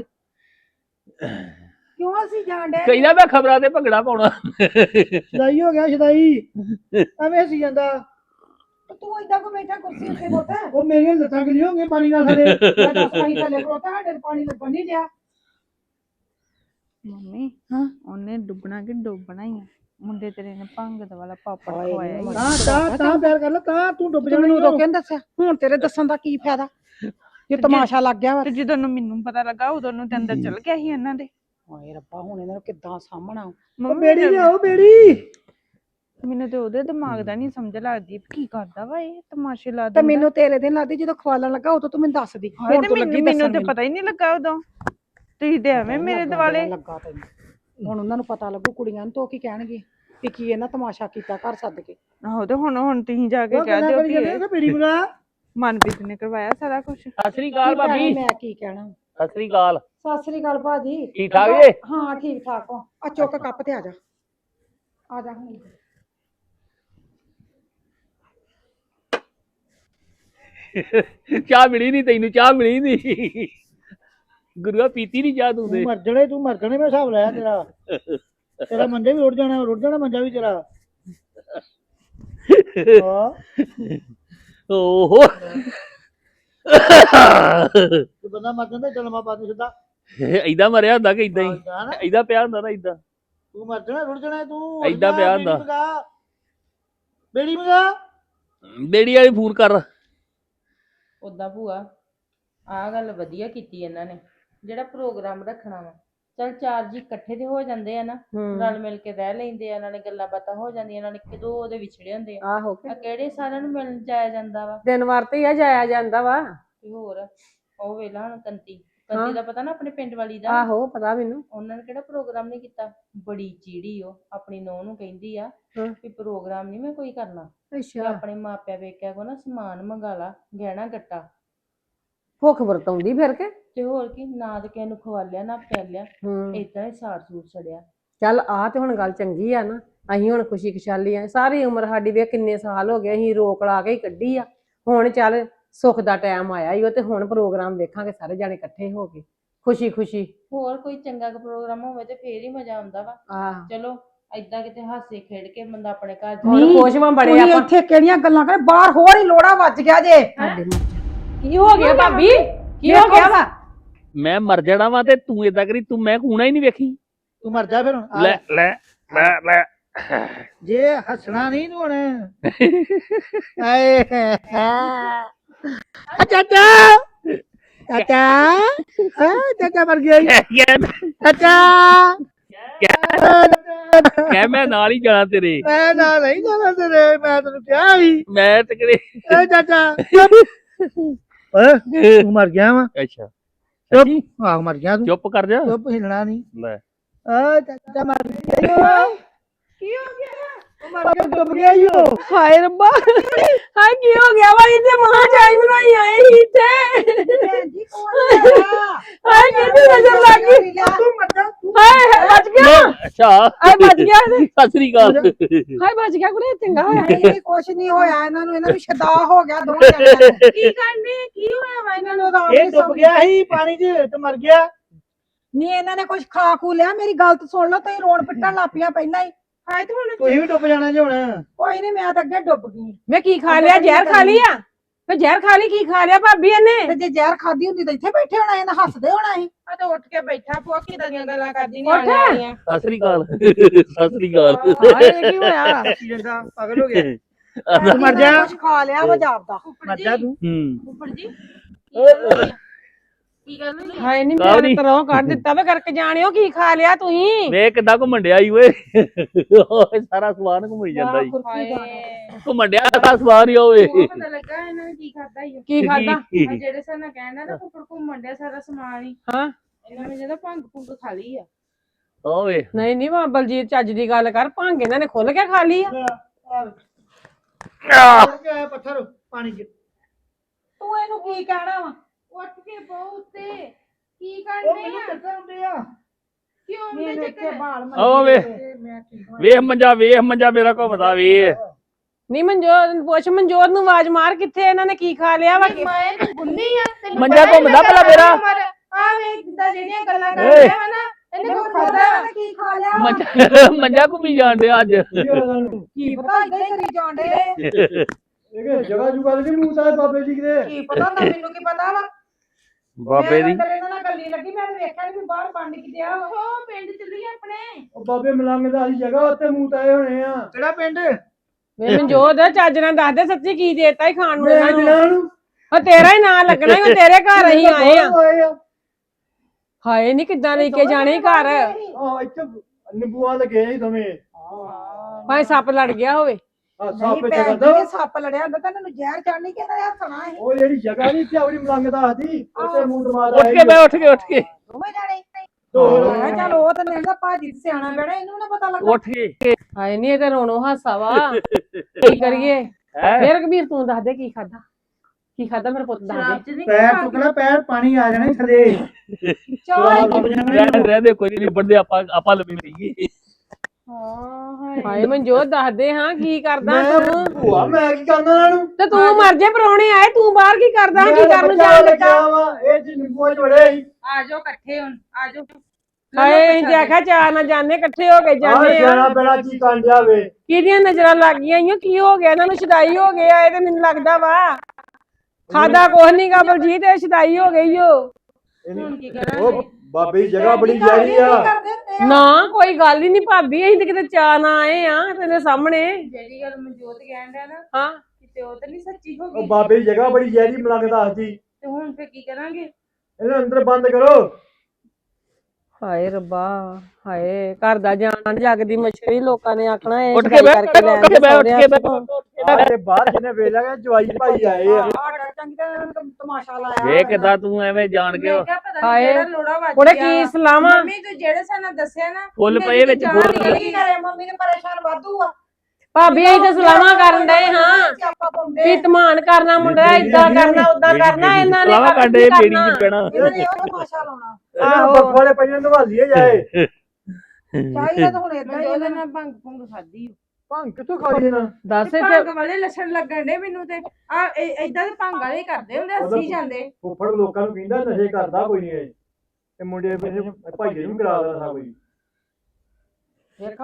E: ਕਿਉਂ ਅਸੀਂ ਜਾਣ ਡੇ
B: ਕਹਿੰਦਾ ਮੈਂ ਖਬਰਾਂ ਤੇ ਭੰਗੜਾ ਪਾਉਣਾ
C: ਛਦਾਈ ਹੋ ਗਿਆ ਛਦਾਈ ਐਵੇਂ ਹੱਸੀ ਜਾਂਦਾ
E: ਤੂੰ ਏਦਾਂ ਕੋ ਬੈਠਾ ਕੁਰਸੀ ਉੱਤੇ ਬੋਤਾ
C: ਉਹ ਮੇਰੀਆਂ ਲੱਤਾਂ ਗਿੱਲੀਆਂ ਹੋ ਗਈਆਂ ਪਾਣੀ ਨਾਲ ਥਲੇ
E: ਮੈਂ ਦੱਸ ਆਈ ਥੱਲੇ ਖਲੋਤਾ ਸਾਡੇ ਪਾਣੀ ਲੱਗਣ ਨਹੀਂ ਡਿਆ
D: ਮੰਮੀ ਹਾਂ ਉਹਨੇ ਡੁੱਬਣਾ ਕਿ ਡੁੱਬਣਾ ਹੀ ਆ ਮੁੰਡੇ ਤੇਰੇ ਨੇ ਭੰਗ ਦਾ ਵਾਲਾ ਪਾਪੜ ਖਵਾਇਆ ਈ।
C: ਤਾਂ ਪਿਆਰ ਕਰ ਲੈ ਤਾਂ ਤੂੰ ਡੁੱਬ ਜਾਣਾ
E: ਮੈਨੂੰ
C: ਈ
E: ਉਦੋਂ
C: ਓ।
E: ਕਿਹਨੇ ਦੱਸਿਆ ਹੁਣ ਤੇਰੇ ਦੱਸਣ ਦਾ ਕੀ ਫਾਇਦਾ ਜੇ ਤਮਾਸ਼ਾ ਲੱਗ ਗਿਆ ਵਾ
D: ਤੇ ਜਦੋਂ ਨੂੰ ਮੈਨੂੰ ਪਤਾ ਲੱਗਾ ਉਦੋਂ ਨੂੰ ਤੇ ਅੰਦਰ ਚਲ ਗਿਆ ਸੀ ਇਹਨਾਂ ਦੇ
E: ਹਾਏ ਰੱਬਾ ਹੁਣ ਇਹਨਾਂ ਨੂੰ ਕਿੱਦਾਂ ਸਾਹਮਣਾ
C: ਉਹ
D: ਮੰਮੀ
C: ਬੇੜੀ ਲਿਆਓ ਬੇੜੀ
D: ਮੈਨੂੰ ਤੇ ਉਹਦੇ ਦਿਮਾਗ ਦਾ ਨਹੀਂ ਸਮਝ ਲੱਗਦੀ ਵੀ ਕੀ ਕਰਦਾ ਵਾ ਇਹ ਤਮਾਸ਼ੇ ਲਾ
E: ਤੇ
D: ਦਿੰਦਾ
E: ਮੈਨੂੰ ਤੇਰੇ ਦਿਨ ਲੱਗਦੀ ਜਦੋਂ ਖਵਾਲਣ ਲੱਗਾ ਉਦੋਂ ਤੂੰ ਮੈਨੂੰ ਦੱਸਦੀ
D: ਹਾਏ
E: ਹੁਣ
D: ਤੇ
E: ਤੂੰ ਲੱਗੀ
D: ਮੈਨੂੰ
E: ਦੱਸਣ
D: ਤੇ ਪਤਾ ਹੀ ਨਹੀਂ ਲੱਗਾ ਉਦੋਂ ਤੁਸੀਂ ਤੇ ਐਵੇਂ ਮੇਰੇ ਦਿਵਾਲੇ
E: ਲੱਗਾ ਤੈਨੂੰ ਹੁਣ ਉਹਨਾਂ ਨੂੰ ਪਤਾ ਲੱਗੂ ਕੁੜੀਆਂ ਨੂੰ ਤਾਂ ਉਹ ਕੀ ਕਹਿਣਗੇ ਵੀ ਕੀ ਇਹਨਾਂ ਤਮਾਸ਼ਾ ਕੀਤਾ ਘਰ ਸੱਦ ਕੇ
D: ਆਹੋ ਤੇ ਹੁਣ ਤੁਸੀਂ ਜਾ ਕੇ
C: ਉਹ
D: ਕਹਿ
C: ਗੱਲਾਂ
D: ਦਿਓ
C: ਕਰੀ
D: ਵੀ
C: ਜਾਂਦੇ
D: ਇਹ
C: ਕਿ ਬੇੜੀ ਮੰਗਾ
D: ਮਨਪ੍ਰੀਤ ਨੇ ਕਰਵਾਇਆ ਸਾਰਾ ਕੁਝ
B: ਸਤਿ ਸ੍ਰੀ ਅਕਾਲ ਭਾਬੀ
E: ਮੈਂ ਕੀ ਕਹਿਣਾ
B: ਸਤਿ ਸ੍ਰੀ ਅਕਾਲ
E: ਸਤਿ ਸ੍ਰੀ ਅਕਾਲ ਭਾਜੀ
B: ਠੀਕ ਠਾਕ ਜੇ
E: ਹਾਂ ਠੀਕ ਠਾਕ ਹੋ ਆ ਚੁੱਕ ਕੱਪ ਤੇ ਆ ਜਾ ਆ ਜਾ ਹੁਣ
B: ਚਾਹ ਮਿਲੀ ਨਹੀਂ ਤੈਨੂੰ ਚਾਹ ਮਿਲੀ ਨਹੀਂ ਗੁਰੂਆ ਪੀਤੀ ਨਹੀਂ ਚਾਹ ਤੂੰ
C: ਤੂੰ
B: ਤੇ
C: ਮਰ ਜਾਣੇ ਮੈਂ ਹਿਸਾਬ ਲਾਇਆ ਤੇਰਾ ਮੰਜਾ ਵੀ ਰੁੜ ਜਾਣਾ ਮੰਜਾ ਵੀ ਤੇਰਾ ਹਾਂ
B: ਓਹੋ
C: ਤੂੰ ਬੰਦਾ ਮਰ ਜਾਂਦਾ ਜਲਮਾ ਪਾ ਦੇ ਸਿੱਧਾ
B: ਏਦਾਂ ਮਰਿਆ ਹੁੰਦਾ ਕਿ ਏਦਾਂ ਹੀ
C: ਹਾਂ ਨਾ,
B: ਏਦਾਂ ਪਿਆ ਹੁੰਦਾ ਨਾ ਏਦਾਂ
C: ਤੂੰ ਮਰ ਜਾਣਾ ਰੁੜ ਜਾਣਾ ਤੂੰ
B: ਏਦਾਂ ਪਿਆ ਹੁੰਦਾ।
C: ਬੇੜੀ ਮੰਗਾ
B: ਬੇੜੀ ਵਾਲੀ ਫੋਨ ਕਰ
F: ਉਦਾਂ ਭੂਆ ਆਹ ਗੱਲ ਵਧੀਆ ਕੀਤੀ ਇਹਨਾਂ ਨੇ ਜਿਹੜਾ ਪ੍ਰੋਗਰਾਮ ਰੱਖਣਾ ਵਾ ਚਲ ਚਾਰ ਜੀ ਇਕੱਠੇ ਤੇ ਹੋ ਜਾਂਦੇ ਆ ਨਾ ਰਲ ਮਿਲ ਕੇ ਰਹਿ ਲੈਂਦੇ ਆ ਨਾਲੇ ਗੱਲਾਂ ਬਾਤਾਂ ਹੋ ਜਾਂਦੀਆਂ ਨਾਲੇ ਕਿਦੋਂ ਉਹਦੇ ਵਿਛੜੇ ਹੁੰਦੇ ਆ
G: ਆਹੋ
F: ਆ ਕਿਹੜੇ ਸਾਰਿਆਂ ਨੂੰ ਮਿਲਣ ਜਾਇਆ ਜਾਂਦਾ ਵਾ
G: ਦਿਨ ਵਾਰ ਤੇ ਹੀ ਆ ਜਾਇਆ ਜਾਂਦਾ ਵਾ
F: ਤੇ ਹੋਰ ਉਹ ਵੇਲਾ ਹੁਣ ਕੰਤੀ ਦਾ ਪਤਾ ਨਾ ਆਪਣੇ ਪਿੰਡ ਵਾਲੀ ਦਾ
G: ਆਹੋ ਪਤਾ ਮੈਨੂੰ
F: ਉਹਨਾਂ ਨੇ ਕਿਹੜਾ ਪ੍ਰੋਗਰਾਮ ਨਹੀਂ ਕੀਤਾ ਬੜੀ ਚੀੜੀ ਉਹ ਆਪਣੀ ਨੂੰਹ ਨੂੰ ਕਹਿੰਦੀ ਆ
G: ਹਾਂ।
F: ਵੀ ਪ੍ਰੋਗਰਾਮ ਨਹੀਂ ਮੈਂ ਕੋਈ ਕਰਨਾ ਤੇ
G: ਅੱਛਾ
F: ਆਪਣੇ ਮਾਪਿਆਂ ਵੇਖਿਆ ਕੋ ਨਾ ਸਮਾਨ ਮੰਗਾ ਲਾ ਗਹਿਣਾ ਗੱਟਾ
G: ਭੁੱਖ ਵਰਤਾਉਂਦੀ ਫਿਰ ਕੇ
F: ਤੇ ਹੋਰ ਕੀ ਨਾ ਤੇ ਕਿਸੇ ਨੂੰ ਖਵਾਲਿਆ ਨਾ ਪਿਆਲਿਆ ਏਦਾਂ ਹੀ ਸਾਰ ਸੂਰ ਛੜਿਆ
G: ਚੱਲ ਆ ਤੇ ਹੁਣ ਗੱਲ ਚੰਗੀ ਆ ਨਾ ਅਸੀਂ ਹੁਣ ਖੁਸ਼ੀ ਖੁਸ਼ਹਾਲੀ ਆ ਸਾਰੀ ਉਮਰ ਸਾਡੀ ਵੇ ਕਿੰਨੇ ਸਾਲ ਹੋ ਗਏ ਅਸੀਂ ਰੋਕ ਲਾ ਕੇ ਹੀ ਕੱਢੀ ਆ ਹੁਣ ਚੱਲ ਸੁੱਖ ਦਾ ਟਾਈਮ ਆਇਆ ਈ ਉਹ ਤੇ ਹੁਣ ਪ੍ਰੋਗਰਾਮ ਵੇਖਾਂਗੇ ਸਾਰੇ ਜਾਣੇ ਇਕੱਠੇ ਹੋ ਕੇ ਖੁਸ਼ੀ ਖੁਸ਼ੀ
F: ਹੋਰ ਕੋਈ ਚੰਗਾ ਪ੍ਰੋਗਰਾਮ ਹੋਵੇ ਤੇ ਫੇਰ ਹੀ ਮਜ਼ਾ ਆਉਂਦਾ ਵਾ
G: ਆਹ
F: ਚਲੋ ਏਦਾਂ ਕਿਤੇ ਹਾਸੇ ਖੇਡ ਕੇ ਬੰਦਾ ਆਪਣੇ ਘਰ
G: ਹੁਣ
E: ਨਹੀਂ,
G: ਖੁਸ਼ਵਾਂ ਬੜੇ
E: ਤੁਸੀਂ
G: ਆਪਾਂ
E: ਇੱਥੇ ਕਿਹੜੀਆਂ ਗੱਲਾਂ ਕਰ ਬਾਹਰ ਹੋਰ ਹੀ ਲੋੜਾ ਵੱਜ ਗਿਆ ਜੇ
G: ਕੀ ਹੋ ਗਿਆ ਭਾਬੀ ਕੀ ਹੋ ਗਿਆ ਵਾ
B: ਮੈਂ ਮਰ ਜਾਣਾ ਵਾ ਤੇ ਤੂੰ ਏਦਾਂ ਕਰੀ ਤੂੰ ਮੈਂ ਕੂਣਾ ਹੀ ਨਹੀਂ ਵੇਖੀ
C: ਤੂੰ ਮਰ ਜਾ ਫਿਰ ਹੁਣ। ਆ
B: ਲੈ
C: ਜੇ ਹੱਸਣਾ ਨਹੀਂ ਤੂੰ ਹੁਣ ਆਏ ਚਾਚਾ ਚਾਚਾ ਮਰ ਗਿਆ ਈ। ਚਾਚਾ
B: ਕਹਿ ਮੈਂ ਨਾਲ ਹੀ ਜਾਣਾ ਤੇਰੇ
C: ਮੈਂ ਨਾ ਨਹੀਂ ਜਾਣਾ ਤੇਰੇ ਮੈਂ ਤੈਨੂੰ ਕਿਹਾ ਸੀ
B: ਮੈਂ ਤੇ ਕਰੇ
C: ਏ ਚਾਚਾ ਓਏ ਤੂੰ ਮਰ ਗਿਆ ਵਾ
B: ਅੱਛਾ
C: ਚੁੱਪ ਆਹ ਮਰ ਗਿਆ ਤੂੰ
B: ਚੁੱਪ ਕਰ ਜਾ
C: ਚੁੱਪ ਹਿਲਣਾ ਨਹੀਂ
B: ਲੈ
C: ਆ ਚਾਚਾ ਮਰ ਗਿਆ
D: ਕੀ ਹੋ ਗਿਆ?
C: ਮਰ ਕੇ ਡੁੱਬ ਗਿਆ ਈ ਉਹ।
G: ਹਾਏ ਰੱਬਾ ਹਾਏ ਕੀ ਹੋ ਗਿਆ ਵਾ ਇੱਥੇ ਮਾਂ ਚਾਈ ਬਣਾਈ ਆਏ ਸੀ ਇੱਥੇ
E: ਭੈਣ ਜੀ ਕੌਣ ਆਇਆ
G: ਹਾਏ ਕਿਹਦੀ ਨਜ਼ਰ ਲੱਗ ਗਈ
C: ਤੂੰ ਮਰਦਾ ਤੂੰ
G: ਹਾਏ ਬਚ ਗਿਆ
B: ਅੱਛਾ
G: ਹਾਏ ਬਚ ਗਿਆ
B: ਸਤਿ ਸ੍ਰੀ ਅਕਾਲ
G: ਹਾਏ ਬਚ ਗਿਆ ਕੁੜੇ ਚੰਗਾ ਹੋਇਆ
E: ਨਹੀਂ ਕੁਛ ਨਹੀਂ ਹੋਇਆ ਇਹਨਾਂ ਨੂੰ ਸ਼ਦਾ ਹੋ ਗਿਆ ਦੋਵਾਂ ਜਣਿਆਂ ਨੂੰ
F: ਕੀ ਕਰਨੇ ਕੀ ਹੋਇਆ ਵਾ
E: ਇਹਨਾਂ ਨੂੰ ਆਰਾਮ
C: ਇਹ
E: ਨਹੀਂ
C: ਡੁੱਬ ਗਿਆ ਸੀ ਪਾਣੀ 'ਚ ਤੇ ਮਰ ਗਿਆ।
E: ਨਹੀਂ ਇਹਨਾਂ ਨੇ ਕੁਛ ਖਾ ਖੂ ਲਿਆ ਮੇਰੀ ਗੱਲ ਤਾਂ ਸੁਣ ਲਓ ਤੁਸੀਂ ਰੋਣ ਪਿੱਟਣ ਲੱਪੀਆਂ ਪਹਿਲਾਂ ਹੀ
F: ਹਾਏ ਤੇ ਹੁਣ
C: ਤੁਸੀਂ ਵੀ ਡੁੱਬ ਜਾਣਾ ਜੀ ਹੁਣ।
E: ਕੋਈ ਨਹੀਂ ਮੈਂ ਤਾਂ ਅੱਗੇ ਡੁੱਬ ਗਈ
G: ਮੈਂ ਕੀ ਖਾ ਲਿਆ ਜ਼ਹਿਰ ਖਾ ਲਿਆ ਫੇ ਜ਼ਹਿਰ ਖਾ ਲਈ ਕੀ ਖਾ ਲਿਆ ਭਾਬੀ ਇਹਨੇ
E: ਤੇ ਜੇ ਜ਼ਹਿਰ ਖਾਦੀ ਹੁੰਦੀ ਤਾਂ ਇੱਥੇ ਬੈਠੇ ਹੋਣਾ ਇਹਨਾਂ ਹੱਸਦੇ ਹੋਣਾ ਸੀ
F: ਆ ਤੇ ਉੱਠ ਕੇ ਬੈਠਾ ਭੋਕੀ ਦੀਆਂ ਗੱਲਾਂ ਕਰਦੀ
G: ਉੱਠ।
F: ਨਹੀਂ
B: ਸਤਿ ਸ੍ਰੀ ਅਕਾਲ ਸਤਿ ਸ੍ਰੀ ਅਕਾਲ
G: ਹਾਏ ਇਹ ਕੀ ਹੋਇਆ
C: ਐਕਸੀਡੈਂਟ ਦਾ ਪਾਗਲ ਹੋ ਗਿਆ।
E: ਤੂੰ
C: ਮਰ ਜਾ।
E: ਕੁਛ ਖਾ ਲਿਆ ਵਾ ਜਾਪਦਾ
C: ਮਰ ਜਾ ਤੂੰ।
F: ਉੱਪਰ ਜੀ ਕੀ ਗੱਲ ਹੋਈ
G: ਹਾਏ ਨਹੀਂ
B: ਕਾਹਦੀ?
G: ਮੈਂ ਤਰੋਂ ਕੱਢ ਦਿੱਤਾ ਵੇ ਕਰਕੇ ਜਾਣਿਓ ਕੀ ਖਾ ਲਿਆ ਤੁਸੀਂ
B: ਵੇ ਕਿੱਦਾਂ ਘੁੰਮਣ ਡਿਆ ਈ ਓਏ ਓਏ ਸਾਰਾ ਸਮਾਨ ਘੁੰਮਈ ਜਾਂਦਾ ਈ
F: ਹਾਏ
B: ਘੁੰਮਣ ਡਿਆ ਸਾਰਾ ਸਮਾਨ ਹੀ ਓਏ
F: ਉਹ ਪਤਾ ਲੱਗਾ ਇਹਨਾਂ ਨੇ ਕੀ ਖਾਦਾ ਹੀ
G: ਕੀ ਖਾਦਾ
F: ਆ ਜਿਹੜੇ ਸਾਨਾ ਕਹਿੰਦਾ ਨਾ ਫੁੱਫੜ ਘੁੰਮਣ ਡਿਆ ਸਾਰਾ ਸਮਾਨ ਹੀ
G: ਹਾਂ
F: ਇਹਨਾਂ ਨੇ ਜਿਹੜਾ ਭੰਗ ਭੁੰਗ ਖਾ ਲਈ ਆ
B: ਓਏ
G: ਨਹੀਂ ਨਹੀਂ ਵਾ ਬਲਜੀਤ ਚੱਜ ਦੀ ਗੱਲ ਕਰ ਭੰਗ ਇਹਨਾਂ ਨੇ ਖੁੱਲ ਕੇ ਖਾ ਲਈ ਆ
C: ਮਰ ਗਿਆ ਪੱਥਰ ਪਾਣੀ 'ਚ।
E: ਤੂੰ ਇਹਨੂੰ ਕੀ ਕਹਿਣਾ ਵਾ
F: ਉੱਠ ਕੇ ਬਹੁ ਉੱਤੇ ਕੀ
C: ਉਹ
F: ਕਰਨੇ
C: ਮੈਨੂੰ
F: ਆ
C: ਚੱਕਰ ਆਉਂਦੇ ਆ।
F: ਕਿਉਂ
E: ਇਹਨੂੰ
F: ਹੁੰਦੇ
E: ਇੱਥੇ
F: ਚੱਕਰ
E: ਬਾਲ
B: ਓ ਵੇ
E: ਮੈਂ ਠੀਕ ਹਾਂ
B: ਵੇਖ ਮੰਜਾ ਮੇਰਾ ਘੁੰਮਦਾ ਵੇ
G: ਨਹੀਂ ਮਨਜੋਤ ਪੁੱਛ ਮਨਜੋਤ ਨੂੰ ਆਵਾਜ਼ ਮਾਰ ਕਿੱਥੇ ਇਹਨਾਂ ਨੇ ਕੀ ਖਾ ਲਿਆ ਵਾ
F: ਮੈਂ ਤੂੰ ਬੁੱਲੀ ਆ ਤੈਨੂੰ
B: ਮੰਜਾ
F: ਪਤਾ ਨੀ
B: ਘੁੰਮਦਾ ਭਲਾ ਮੇਰਾ।
F: ਆ ਵੇਖ ਜਿੱਦਾਂ ਜਿਹੜੀਆਂ ਗੱਲਾਂ
B: ਏ।
F: ਕਰਦੇ ਆ ਨਾ ਇਹਨੇ ਕੋ ਖਾਦਾ
E: ਇਹਨੇ ਕੀ ਖਾ ਲਿਆ ਵਾ?
B: ਮੰਜਾ ਘੁੰਮੀ ਜਾਣ ਡਿਆ ਅੱਜ
E: ਕੀ ਪਤਾ ਇਦਾਂ ਹੀ ਕਰੀ ਜਾਂਦੇ
A: ਇਹ ਜਗ੍ਹਾ ਜੁਗਾ ਨਹੀਂ ਮੂੰਹ ਤਾਂ ਬਾਬੇ ਜੀ ਕਿਤੇ
E: ਕੀ ਪਤਾ ਹੁੰਦਾ ਮੈਨੂੰ ਕੀ ਪਤਾ ਵਾ
B: ਬਾਬੇ ਦੀ
E: ਮੈਂ ਤਾਂ ਇਹਨਾਂ ਨਾਲ ਗੱਲੀ ਲੱਗੀ ਮੈਂ ਤਾਂ ਵੇਖਿਆ ਨੀ ਵੀ ਬਾਹਰ ਪੰਡ ਕਿਤੇ ਆ
F: ਉਹ ਪਿੰਡ ਚੱਲੀ ਆਪਣੇ
A: ਉਹ ਬਾਬੇ ਮਲੰਗ ਦਾ ਅਸੀਂ ਜਗ੍ਹਾ ਉੱਤੇ ਮੂੰਹ ਤਾਏ ਹੋਣੇ ਆ
C: ਕਿਹੜਾ ਪਿੰਡ?
G: ਵੇ ਮਨਜੋਤ ਚੱਜ ਨਾਲ ਦੱਸ ਦੇ ਸੱਚੀ ਕੀ ਦੇਤਾ ਹੀ ਖਾਣ ਨੂੰ
A: ਮੈਂ
G: ਇਹਨਾਂ ਨੂੰ
A: ਜਨਾਂ ਨੂੰ
G: ਉਹ ਤੇਰਾ ਹੀ ਨਾਂ ਲੱਗਣਾ ਈ, ਉਹ ਤੇਰੇ ਘਰ ਅਸੀਂ ਆਏ ਆ
A: ਆਏ ਆ
G: ਹਾਏ ਨਹੀਂ ਕਿੱਦਾਂ ਲੈ ਕੇ ਜਾਣੇ ਈ ਘਰ
A: ਆ ਇੱਥੇ ਨਿੰਬੂਆਂ ਲੱਗੇ ਸੀ ਦੋਵੇਂ
G: ਭਾਵੇਂ ਸੱਪ ਲੜ ਗਿਆ ਹੋਵੇ
A: ਆ
E: ਨਹੀਂ
A: ਸਾਪੇ
E: ਭੈਣ
A: ਚੱਲਦਾ
E: ਜੀ ਨੇ ਸੱਪ ਲੜਿਆ ਹੁੰਦਾ ਤਾਂ ਇਹਨਾਂ ਨੂੰ ਜ਼ਹਿਰ ਚੜਨੀ ਕਿ ਇਹਨਾਂ ਦੇ ਹੱਥਣਾ ਸੀ
A: ਉਹ ਜਿਹੜੀ ਜਗ੍ਹਾ ਨਹੀਂ ਪਿਆਵਰੀ ਮਲੰਗ ਦਾ ਆਦੀ ਉੱਤੇ ਮੂੰਹ ਮਾਰਦਾ
B: ਉੱਠ ਕੇ ਬੈ ਉੱਠ ਕੇ
E: ਦੋਵੇਂ ਜਾਣੇ
A: ਦੋ
E: ਮੈਂ ਚੱਲ ਉਹ ਤਾਂ ਨਹੀਂ ਭਾਜੀ ਸਿਆਣਾ ਬੜਾ ਇਹਨੂੰ ਨਾ ਪਤਾ ਲੱਗਾ
B: ਉੱਠ ਕੇ
G: ਹਾਏ ਨਹੀਂ ਇਹ ਤਾਂ ਰੋਣੋ ਹਾਸਾ ਵਾ ਕੀ ਕਰੀਏ
B: ਹੈ
G: ਫੇਰ ਕਬੀਰ ਤੂੰ ਦੱਸ ਦੇ ਕੀ ਖਾਦਾ ਮੇਰਾ ਪੁੱਤ ਦੱਸ
F: ਸ਼ਰਾਬ ਚ ਨਹੀਂ
C: ਪੈਰ ਚੁੱਕਣਾ ਪੈਰ ਪਾਣੀ ਆ ਜਾਣਾ ਥੱਲੇ।
B: ਰਹਿ ਦੇ ਕੋਈ ਨਹੀਂ ਪੜਦੇ ਆਪਾਂ ਲੱਭੀ ਲਈਏ
G: ਦੇ ਹਾਏ ਮਨਜੋਤ ਦੱਸ ਦੇ ਹਾਂ ਕੀ ਕਰਦਾ ਤੂੰ
A: ਭੂਆ ਮੈਂ ਕੀ ਕਰਨਾ ਇਹਨਾਂ ਨੂੰ
G: ਤੇ ਤੂੰ ਮਰ ਜੇ ਪਰੌਣੇ ਆਏ ਤੂੰ ਬਾਹਰ ਕੀ ਕਰਦਾ ਕੀ ਕਰਨ ਨੂੰ ਜਾਣ ਲੱਗਾ
A: ਇਹ ਜੀ ਨਿੰਬੂਆਂ ਚ ਵੜਿਆ ਸੀ
F: ਆ ਜਾਓ ਇਕੱਠੇ ਹੁਣ ਆ ਜਾਓ
G: ਹਾਏ ਅਸੀਂ ਤੇ ਆਖਿਆ ਚਾਰ ਨਾ ਜਾਣੇ ਇਕੱਠੇ ਹੋ ਕੇ
A: ਆ
G: ਜਾਂਦੇ ਆ
A: ਸਿਆਣਾ ਬੜਾ ਕੀ ਕਰਨ ਜਾਵੇ
G: ਕਿਹਦੀਆਂ ਨਜ਼ਰਾਂ ਲੱਗ ਗਈਆਂ ਈਓ ਕੀ ਹੋ ਗਿਆ ਇਹਨਾਂ ਨੂੰ ਸ਼ਦਾਈ ਹੋ ਗਿਆ ਇਹ ਤੇ ਮੈਨੂੰ ਲੱਗਦਾ ਵਾ ਖਾਦਾ ਕੁਛ ਨਹੀਂ ਗਾ ਬਲਜੀਤ ਇਹ ਸ਼ਦਾਈ ਹੋ ਗਈ ਓ
F: ਹੁਣ ਕੀ ਕਰਾਂਗੇ
A: ਉਹ ਬਾਬੇ ਦੀ ਜਗ੍ਹਾ ਬੜੀ ਜ਼ਿਆਦੀ ਆ
G: ਨਾ ਕੋਈ ਗੱਲ ਹੀ ਨਹੀਂ ਭਾਬੀ ਅਸੀਂ ਤੇ ਕਿਤੇ ਚਾਹ ਨਾ ਆਏ ਆ ਤੇਰੇ ਸਾਹਮਣੇ
F: ਜਿਹੜੀ ਗੱਲ ਮਨਜੋਤ ਕਹਿਣ ਡਿਆ ਨਾ
G: ਹਾਂ
F: ਕਿਤੇ ਉਹ ਤਾਂ ਨਹੀਂ ਸੱਚੀ ਹੋ
A: ਉਹ
F: ਗਈ
A: ਬਾਬੇ ਦੀ ਜਗ੍ਹਾ ਬੜੀ ਜ਼ਿਆਦੀ ਮਲੰਗ ਦੱਸਦੀ
F: ਤੇ ਹੁਣ ਫੇਰ ਕੀ ਕਰਾਂਗੇ
A: ਇਹਨੂੰ ਅੰਦਰ ਬੰਦ ਕਰੋ
G: ਹਾਏ ਰੱਬਾ ਹਾਏ ਘਰ ਦਾ ਜਾਣ ਜਗਦੀ ਮਛਰੀ ਲੋਕਾਂ ਨੇ ਆਖਣਾ ਇਹ
B: ਉੱਠ ਕੇ ਬੈ
G: ਕਰਕੇ ਲੈ
B: ਉੱਠ ਕੇ ਬੈ ਉੱਠ ਕੇ ਬੈ
A: ਆ ਤੇ ਬਾਹਰ ਜਿਹਨੇ ਵੇਲਾ ਗਿਆ ਜਵਾਈ ਭਾਈ ਆਏ ਆ
E: ਚੰਗੀ ਤਰ੍ਹਾਂ ਤਮਾਸ਼ਾ ਲਾਇਆ
B: ਵੇ ਕਿੱਦਾਂ ਤੂੰ ਐਵੇਂ ਜਾਣ ਕੇ
F: ਮੈਂ ਕਿਹਾ ਪਤਾ ਨੀ
G: ਹਾਏ।
F: ਕਿਹੜਾ ਲੋੜਾ ਵੱਜ
G: ਕੁੜੇ
F: ਗਿਆ
G: ਕੀ
F: ਵਾ।
G: ਸਲਾਮਾਂ
F: ਮੰਮੀ ਤੂੰ ਜਿਹੜੇ ਸਾਨੂੰ ਦੱਸਿਆ ਨਾ
B: ਫੁੱਲ
F: ਮੇਰੀ
B: ਪਏ ਵਿੱਚ
F: ਜਾਨ
B: ਫੁੱਲ।
F: ਨਿਕਲ
E: ਕੀ
F: ਗਈ।
E: ਕਰੇ ਮੰਮੀ ਨੇ ਪਰੇਸ਼ਾਨ ਵਾਧੂ ਆ
G: ਭਾਬੀ ਅਸੀਂ ਤੇ ਸਲਾਮਾਂ ਕਰਨ ਡਏ ਹਾਂ
E: ਸਿਆਪਾ ਪਾਉਂਦੇ
G: ਵੀ ਧਮਾਨ ਕਰਨਾ ਮੁੰਡਾ ਏਦਾਂ ਕਰਨਾ ਉਦਾਂ ਕਰਨਾ ਇਹਨਾਂ ਨੇ
B: ਲਾਵਾ
G: ਕੱਖ
B: ਕੰਡੇ
G: ਨੀ
B: ਬੇੜੀ
G: ਕਰਨਾ।
B: ਚ ਪੈਣਾ
E: ਇਹਨਾਂ ਨੇ ਉਹ ਤਮਾਸ਼ਾ ਲਾਉਣਾ
G: ਆਹੋ।
A: ਬੱਫ ਵਾਲੇ ਪਈਆਂ ਨਵਾਲੀਏ ਜਾਏ
E: ਚਾਹੀਦਾ ਤਾਂ ਹੁਣ ਏਦਾਂ ਹੀ
F: ਮਨਜੋਤ
E: ਇਹਨਾਂ
F: ਨਾਲ ਭੰਗ ਭੁੰਗ ਖਾਦੀ
A: ਭੰਗ ਕਿੱਥੋਂ ਖਾਈ ਨਾ
G: ਦੱਸ
F: ਤੇ
G: ਇੱਥੇ
F: ਭੰਗ ਵਾਲੇ ਲੱਛਣ ਲੱਗਣ ਡੇ ਮੈਨੂੰ ਤੇ ਆ ਏਦਾਂ ਦੇ ਭੰਗ ਵਾਲੇ ਕਰਦੇ ਹੁੰਦੇ ਹੱਸੀ ਜਾਂਦੇ
A: ਫੁੱਫੜ ਲੋਕਾਂ ਨੂੰ ਕਹਿੰਦਾ ਨਸ਼ੇ ਕਰਦਾ ਕੋਈ ਨਹੀਂ ਇਹ ਤੇ ਮੁੰਡੇ ਭਾਈ ਨੂੰ ਕਰਾ ਦਿੰਦਾ ਕੋਈ
E: ਵੇਖਾਂ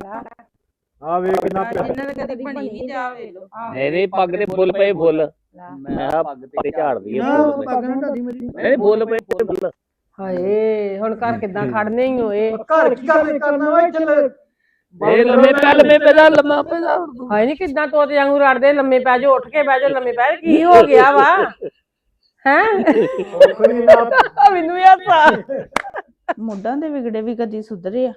A: ਆ ਵੇ ਕਿੰਨਾ
F: ਜਿਨ੍ਹਾਂ ਨੇ ਕਦੇ ਬਣੀ ਨਹੀਂ ਜਾ ਵੇ ਲੋ
B: ਮੇਰੇ ਪੱਗ ਦੇ ਫੁੱਲ ਪਏ ਫੁੱਲ ਮੈਂ ਆ ਪੱਗ ਤੇ ਝਾੜਦੀ ਆ
C: ਨਾ
B: ਫੁੱਲ
C: ਪੱਗ ਨਾ ਢਾਡੀ ਮੇਰੀ।
B: ਨਹੀਂ ਫੁੱਲ ਪਏ ਫੁੱਲ
G: ਹਾਏ ਹੁਣ ਘਰ ਕਿੱਦਾਂ ਖੜਨੇ ਹੀ ਹੋਏ
A: ਘਰ ਕੀ ਕਰਨਾ ਵਾ ਇੱਥੇ
B: ਇਹ ਲੰਮੇ ਪੈਦਾ ਲੰਮਾ ਪੈਦਾ
G: ਹਾਏ ਨਹੀਂ ਕਿੱਦਾਂ ਤੋਤੇ ਵਾਂਗੂ ਰੜਦੇ ਲੰਮੇ ਪੈ ਜਾਓ ਉੱਠ ਕੇ ਬਹਿ ਜਾਓ ਲੰਮੇ ਪੈ ਜਾਓ ਕੀ ਹੋ ਗਿਆ ਵਾ ਹੈ
A: ਕੋਈ ਨਾ
G: ਮੈਨੂੰ ਯਾਸਾ
D: ਮੁੱਢਾਂ ਦੇ ਵਿਗੜੇ ਵੀ ਕਦੀ ਸੁਧਰੇ ਆ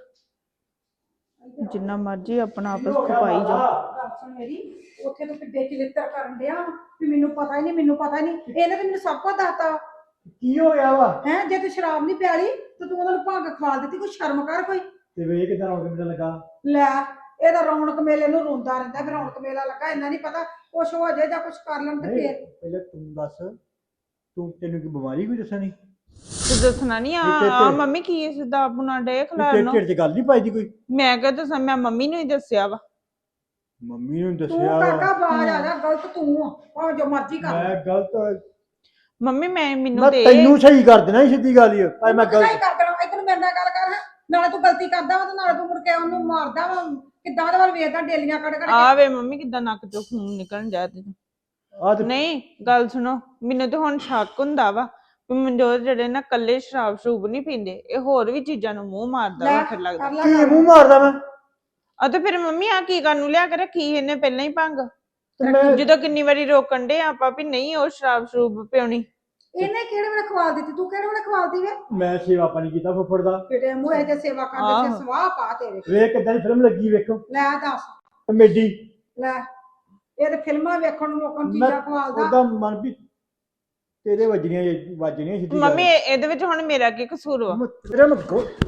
D: ਜਿੰਨਾ ਮਰਜੀ ਆਪਣਾ ਆਪਸ ਖਪਾਈ ਜਾ
E: ਮੇਰੀ ਉੱਥੇ ਤੋਂ ਕਿੱਡੇ ਚਲਿੱਤਰ ਕਰਨ ਡਿਆ ਵੀ ਮੈਨੂੰ ਪਤਾ ਹੀ ਨਹੀਂ ਇਹਨੇ ਤਾਂ ਮੈਨੂੰ ਸਭ ਕੁਝ ਦੱਸਤਾ
A: ਕੀ ਹੋ ਗਿਆ ਵਾ
E: ਹੈ ਜੇ ਤੂੰ ਸ਼ਰਾਬ ਨਹੀਂ ਪਿਆਲੀ ਤੇ ਤੂੰ ਉਹਨਾਂ ਨੂੰ ਭੰਗ ਖਵਾ ਦਿੱਤੀ, ਕੋਈ ਸ਼ਰਮ ਕਰ ਕੋਈ।
A: ਤੇ ਵੇ ਕਿਦਾਂ ਰੌਣਕ ਮੇਲਾ ਲੱਗਾ।
E: ਲੈ ਇਹਦਾ ਰੌਣਕ ਮੇਲੇ ਨੂੰ ਰੋਂਦਾ ਰਹਿੰਦਾ, ਫਿਰ ਰੌਣਕ ਮੇਲਾ ਲੱਗਾ, ਇੰਨਾ ਨਹੀਂ ਪਤਾ ਕੁਛ ਹੋ ਜਾਏ ਜਾਂ ਕੁਛ ਕਰ ਲੈਣ ਤੇ
A: ਨਹੀਂ,
E: ਫੇਰ।
A: ਪਹਿਲਾਂ ਤੂੰ ਦੱਸ, ਤੈਨੂੰ ਕੀ ਬਿਮਾਰੀ ਕੋਈ ਦੱਸਣੀ?
D: ਤੇ ਦੱਸਣਾ ਨਹੀਂ ਆ ਮੰਮੀ ਕੀ ਸਿੱਧਾ ਆਪਣਾ ਡੇ
A: ਤੇਰੇ
D: ਖਲਾਰਨਾ।
A: ਢਿੱਡ 'ਚ ਗੱਲ ਨਹੀਂ ਪਾਈ ਦੀ ਕੋਈ?
D: ਮੈਂ ਕਿਹਾ ਦੱਸਾਂ, ਮੈਂ ਮੰਮੀ ਨੂੰ ਹੀ ਦੱਸਿਆ ਵਾ।
A: ਮੰਮੀ ਨੂੰ
E: ਤੂੰ
A: ਦੱਸਿਆ
E: ਕਾਕਾ ਬਾਜ ਆ ਜਾ, ਗਲਤ ਤੂੰ ਆ, ਭਾਵੇਂ ਜੋ ਮਰਜ਼ੀ ਕਰ।
A: ਮੈਂ ਗਲਤ?
D: ਮੰਮੀ ਮੈਨੂੰ
A: ਮੈਂ
D: ਤੇ
A: ਤੈਨੂੰ ਸਹੀ ਕਰ ਦੇਣਾ ਸੀ, ਸਿੱਧੀ ਗੱਲ ਹੀ ਆ। ਭਾਈ ਮੈਂ
E: ਸਹੀ
A: ਗਲਤ
E: ਕਰ ਦੇਣਾ, ਇੱਧਰ ਮੇਰੇ ਨਾਲ ਗੱਲ ਕਰ। ਨਾਲੇ ਤੂੰ ਗਲਤੀ ਕਰਦਾ ਵਾ ਤੇ ਨਾਲੇ ਤੂੰ ਮੁੜ ਕੇ ਉਹਨੂੰ ਮਾਰਦਾ ਵਾ, ਕਿੱਦਾਂ ਉਹਦੇ ਵੱਲ ਵੇਖਦਾ ਡੇਲੀਆਂ ਕੱਢ ਕੱਢ ਕੇ।
D: ਆ ਵੇ ਮੰਮੀ ਕਿੱਦਾਂ ਨੱਕ ਚੋਂ ਖੂਨ ਨਿਕਲਣ ਜਾ ਤੇ
A: ਆ ਤੇ
D: ਨਹੀਂ ਗੱਲ ਸੁਣੋ, ਮੈਨੂੰ ਤੇ ਹੁਣ ਸ਼ੱਕ ਹੁੰਦਾ ਵਾ ਵੀ ਮਨਜੋਤ ਜਿਹੜੇ ਨਾ ਕੱਲੇ ਸ਼ਰਾਬ ਸ਼ਰੂਬ ਨਹੀਂ ਪੀਂਦੇ, ਇਹ ਹੋਰ ਵੀ ਚੀਜ਼ਾਂ ਨੂੰ ਮੂੰਹ ਮਾਰਦਾ ਵਾ ਫਿਰ ਲੱਗਦਾ।
E: ਕਰ ਲੈ
A: ਕੀ
E: ਗੱਲ।
A: ਮੂੰਹ ਮਾਰਦਾ ਮੈਂ?
D: ਆ ਤੇ ਫਿਰ ਮੰਮੀ ਆ ਕੀ ਕਰਨ ਨੂੰ ਲਿਆ ਕੇ ਰੱਖੀ ਇਹਨੇ ਪਹਿਲਾਂ ਹੀ ਭੰਗ,
A: ਤੇ ਮੈਂ
D: ਜਦੋਂ ਕਿੰਨੀ ਵਾਰੀ ਰੋਕਣ ਦੇ ਆਪਾਂ ਵੀ ਨਹੀਂ ਉਹ ਸ਼ਰਾਬ ਸ਼ਰੂਬ ਪਿਉਣੀ।
E: ਇਹਨੇ ਕਿਹੜੇ ਵੇਲੇ ਖਵਾ ਦਿੱਤੀ, ਤੂੰ ਕਿਹੜੇ ਵੇਲੇ ਖਵਾਲਦੀ ਵੇ?
A: ਮੈਂ ਸੇਵਾ ਪਾਣੀ ਕੀਤਾ ਫੁੱਫੜ ਦਾ।
E: ਬੇਟੇ ਮੂਹੇ ਤੇ ਸੇਵਾ ਕਰਦੇ
D: ਆਹੋ।
E: ਤੇ ਸਵਾਹ ਪਾ ਤੇਰੇ।
A: ਵੇਖ ਕਿੱਦਾਂ ਦੀ ਫਿਲਮ ਲੱਗੀ, ਵੇਖੋ
E: ਲੈ ਦੱਸ,
A: ਕਮੇਡੀ।
E: ਲੈ ਇਹ ਤੇ ਫਿਲਮਾਂ ਵੇਖਣ ਨੂੰ ਲੋਕਾਂ ਨੂੰ ਚੀਜ਼ਾਂ ਖਵਾਲਦਾ।
A: ਉਹਦਾ ਮਨ ਵੀ ਤੇਰੇ ਵੱਜਣੀਆਂ ਸਿੱਧੀ
D: ਮੰਮੀ ਇਹਦੇ ਵਿੱਚ ਹੁਣ ਮੇਰਾ ਕੀ ਕਸੂਰ ਵਾ?
A: ਤੇਰੇ ਮੈਂ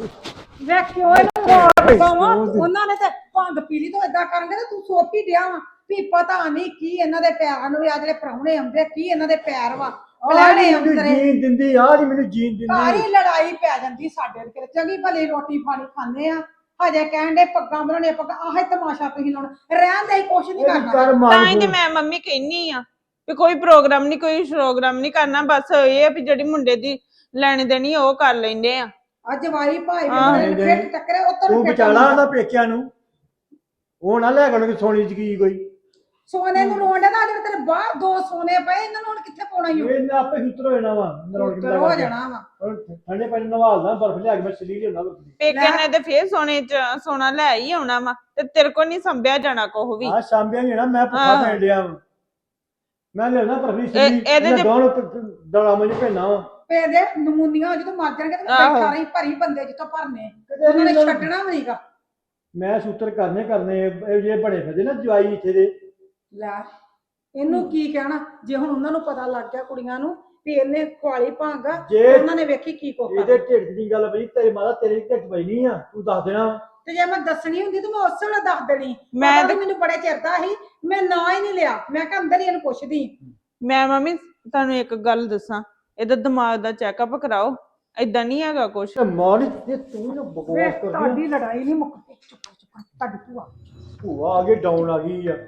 E: ਵੇਖ ਕਿਉਂ ਇਹਨੂੰ ਮਾਰਦਾ ਵਾ, ਉਹਨਾਂ ਨੇ ਤੇ ਭੰਗ ਪੀ ਲਈ ਤੋਂ ਏਦਾਂ ਕਰਨਗੇ ਤੇ ਤੂੰ ਸੋਪੀ ਡਿਆ ਵਾ ਵੀ ਪਤਾ ਨਹੀਂ ਕੀ ਇਹਨਾਂ ਦੇ ਪੈਰਾਂ ਨੂੰ, ਆ ਜਿਹੜੇ ਪ੍ਰਾਹੁਣੇ ਆਉਂਦੇ ਕੀ ਇਹਨਾਂ ਦੇ ਪੈਰ ਵਾ ਪਲਾਣੇ
A: ਮੈਨੂੰ
E: ਅੰਦਰੇ।
A: ਜੀਣ ਦਿੰਦੀ, ਆਹ ਨਹੀਂ ਮੈਨੂੰ ਜੀਣ ਦਿੰਦੀ।
E: ਸਾਰੀ ਲੜਾਈ ਪੈ ਜਾਂਦੀ ਸਾਡੇ ਤੇ, ਚੰਗੀ ਭਲੀ ਰੋਟੀ ਪਾਣੀ ਖਾਂਦੇ ਆ, ਹਜੇ ਕਹਿਣ ਦੇ ਪੱਗਾਂ ਬਣਾਉਣੀਆਂ, ਪੱਗਾਂ ਆਹੇ ਤਮਾਸ਼ਾ ਤੁਸੀਂ ਲਾਉਣਾ, ਰਹਿਣ ਦੇ ਕੁਛ ਨਹੀਂ ਕਰਨਾ।
A: ਕਰ
D: ਤਾਂ
A: ਮਾਰ
D: ਹੀ ਤੇ ਮੈਂ ਮੰਮੀ ਕਹਿੰਨੀ ਆ ਵੀ ਕੋਈ ਪ੍ਰੋਗਰਾਮ ਨਹੀਂ, ਕੋਈ ਪ੍ਰੋਗਰਾਮ ਨਹੀਂ ਕਰਨਾ, ਬਸ ਇਹ ਆ ਵੀ ਜਿਹੜੀ ਮੁੰਡੇ ਦੀ ਲੈਣੀ ਦੇਣੀ ਉਹ ਕਰ ਲੈਂਦੇ ਆ।
E: ਅੱਜ ਵਾਈ ਭਾਈ
D: ਹਾਂ।
E: ਵੀ ਫਿਰ ਟੱਕਰੇ ਉੱਤਰ
A: ਤੂੰ ਬਚਾਲਾ ਉਹਦਾ ਪੇਕਿਆਂ ਨੂੰ, ਉਹ ਨਾ ਲੈ ਗਣ ਸੋਨੀ ਚ ਕੀ ਕੋਈ।
E: ਸੋਨੇ ਨੂੰ ਰੋਣ ਦਾ ਜਿਹੜੇ ਤੇਰੇ ਬਾਹਰ ਦੋ ਸੋਨੇ ਪਏ, ਇਹਨਾਂ ਨੂੰ ਹੁਣ ਕਿੱਥੇ ਪਾਉਣਾ ਈ?
A: ਇਹ ਆਪੇ ਸੁੱਤਰ ਹੋ ਜਾਣਾ ਵਾ,
E: ਹੋ ਜਾਣਾ ਵਾ।
A: ਠੰਡੇ ਪਾਣੀ ਨਵਾਲਦਾ, ਬਰਫ ਲਿਆ ਕੇ ਮੈਂ ਸਲੀ ਲਿਆਉਣਾ।
D: ਪੇਕਿਆਂ ਨੇ ਤੇ ਫੇਰ ਸੋਨਾ ਲੈ ਹੀ ਆਉਣਾ ਵਾ, ਤੇ ਤੇਰੇ ਕੋਲ ਨਹੀਂ ਸੰਭਿਆ ਜਾਣਾ ਕੋਹ ਵੀ।
A: ਆ ਸਾਂਭਿਆ ਨਹੀਂ ਨਾ, ਮੈਂ ਭੁੱਖਾ
D: ਹਾਂ।
A: ਪੈਣ ਡਿਆ ਵਾਂ। ਮੈਂ ਲਿਆਉਣਾ ਬਰਫੀ
D: ਇਹਦੇ
A: ਸਲੀ
D: ਚ-
A: ਦੋਣ ਡਲਾ ਮੈਨੂੰ ਭੇਣਾ ਵਾ।
E: ਪੇ ਦੇ ਨਮੂਨੀਆਂ ਜਦੋਂ ਮਰ ਜਾਣਗੇ ਤੇ
D: ਆਹੋ।
E: ਬੈਠਾ ਰਹੀ ਭਰੀ ਬੰਦੇ ਜਿੱਥੋਂ ਭਰਨੇ, ਉਹਨਾਂ ਨੇ ਛੱਡਣਾ ਵੀ ਨਹੀਂਗਾ।
A: ਮੈਂ ਸੂਤਰ ਕਰਨੇ ਇਹ ਜਿਹੜੇ ਬਣੇ ਫਿਰਦੇ ਨਾ ਜਵਾਈ ਇੱਥੇ ਦੇ।
E: ਲੈ ਇਹਨੂੰ ਕੀ ਕਹਿਣਾ, ਜੇ ਹੁਣ ਉਹਨਾਂ ਨੂੰ ਪਤਾ ਲੱਗ ਗਿਆ ਕੁੜੀਆਂ ਨੂੰ ਵੀ ਇਹਨੇ ਖਵਾਲੀ ਭੰਗ,
A: ਜੇ
E: ਉਹਨਾਂ ਨੇ ਵੇਖੀ ਕੀ ਕੋਕਾ।
A: ਇਹਦੇ ਢਿੱਡ ਦੀ ਗੱਲ ਪਈ, ਤੇਰੀ ਮਾਤਾ ਤੇਰੇ ਢਿੱਡ ਪਈ ਨਹੀਂ ਆ, ਤੂੰ ਦੱਸ ਦੇਣਾ।
E: ਤੇ ਜੇ ਮੈਂ ਦੱਸਣੀ ਹੁੰਦੀ ਤਾਂ ਮੈਂ ਉਸੇ ਵੇਲੇ ਦੱਸ ਦੇਣੀ।
D: ਮੈਂ
E: ਪਤਾ ਨੀ ਮੈਨੂੰ ਬੜੇ ਚਿਰ ਦਾ ਸੀ, ਮੈਂ ਨਾਂ ਹੀ ਨਹੀਂ ਲਿਆ, ਮੈਂ ਕਿਹਾ ਅੰਦਰ ਹੀ ਇਹਨੂੰ ਪੁੱਛਦੀ।
D: ਮੈਂ ਮੰਮੀ ਤੁਹਾਨੂੰ ਇੱਕ ਗੱਲ ਦੱਸਾਂ, ਇਹਦਾ ਦਿਮਾਗ ਦਾ ਚੈੱਕਅਪ ਕਰਾਓ, ਏਦਾਂ ਨਹੀਂ ਹੈਗਾ ਕੁਛ।
A: ਤੇ ਮਾਂ ਨੇ ਤੂੰ ਨਾ ਬਕਵਾਸ
E: ਵੇਖ
A: ਕਰਦੀ
E: ਤੁਹਾਡੀ ਲੜਾਈ ਨਹੀਂ ਮੁੱਕਦੀ, ਚੁੱਪ ਤੁਹਾਡੀ ਭੂਆ।
A: ਭੂਆ ਆ ਗਈ, ਡਾਊਨ ਆ ਗਈ ਆ।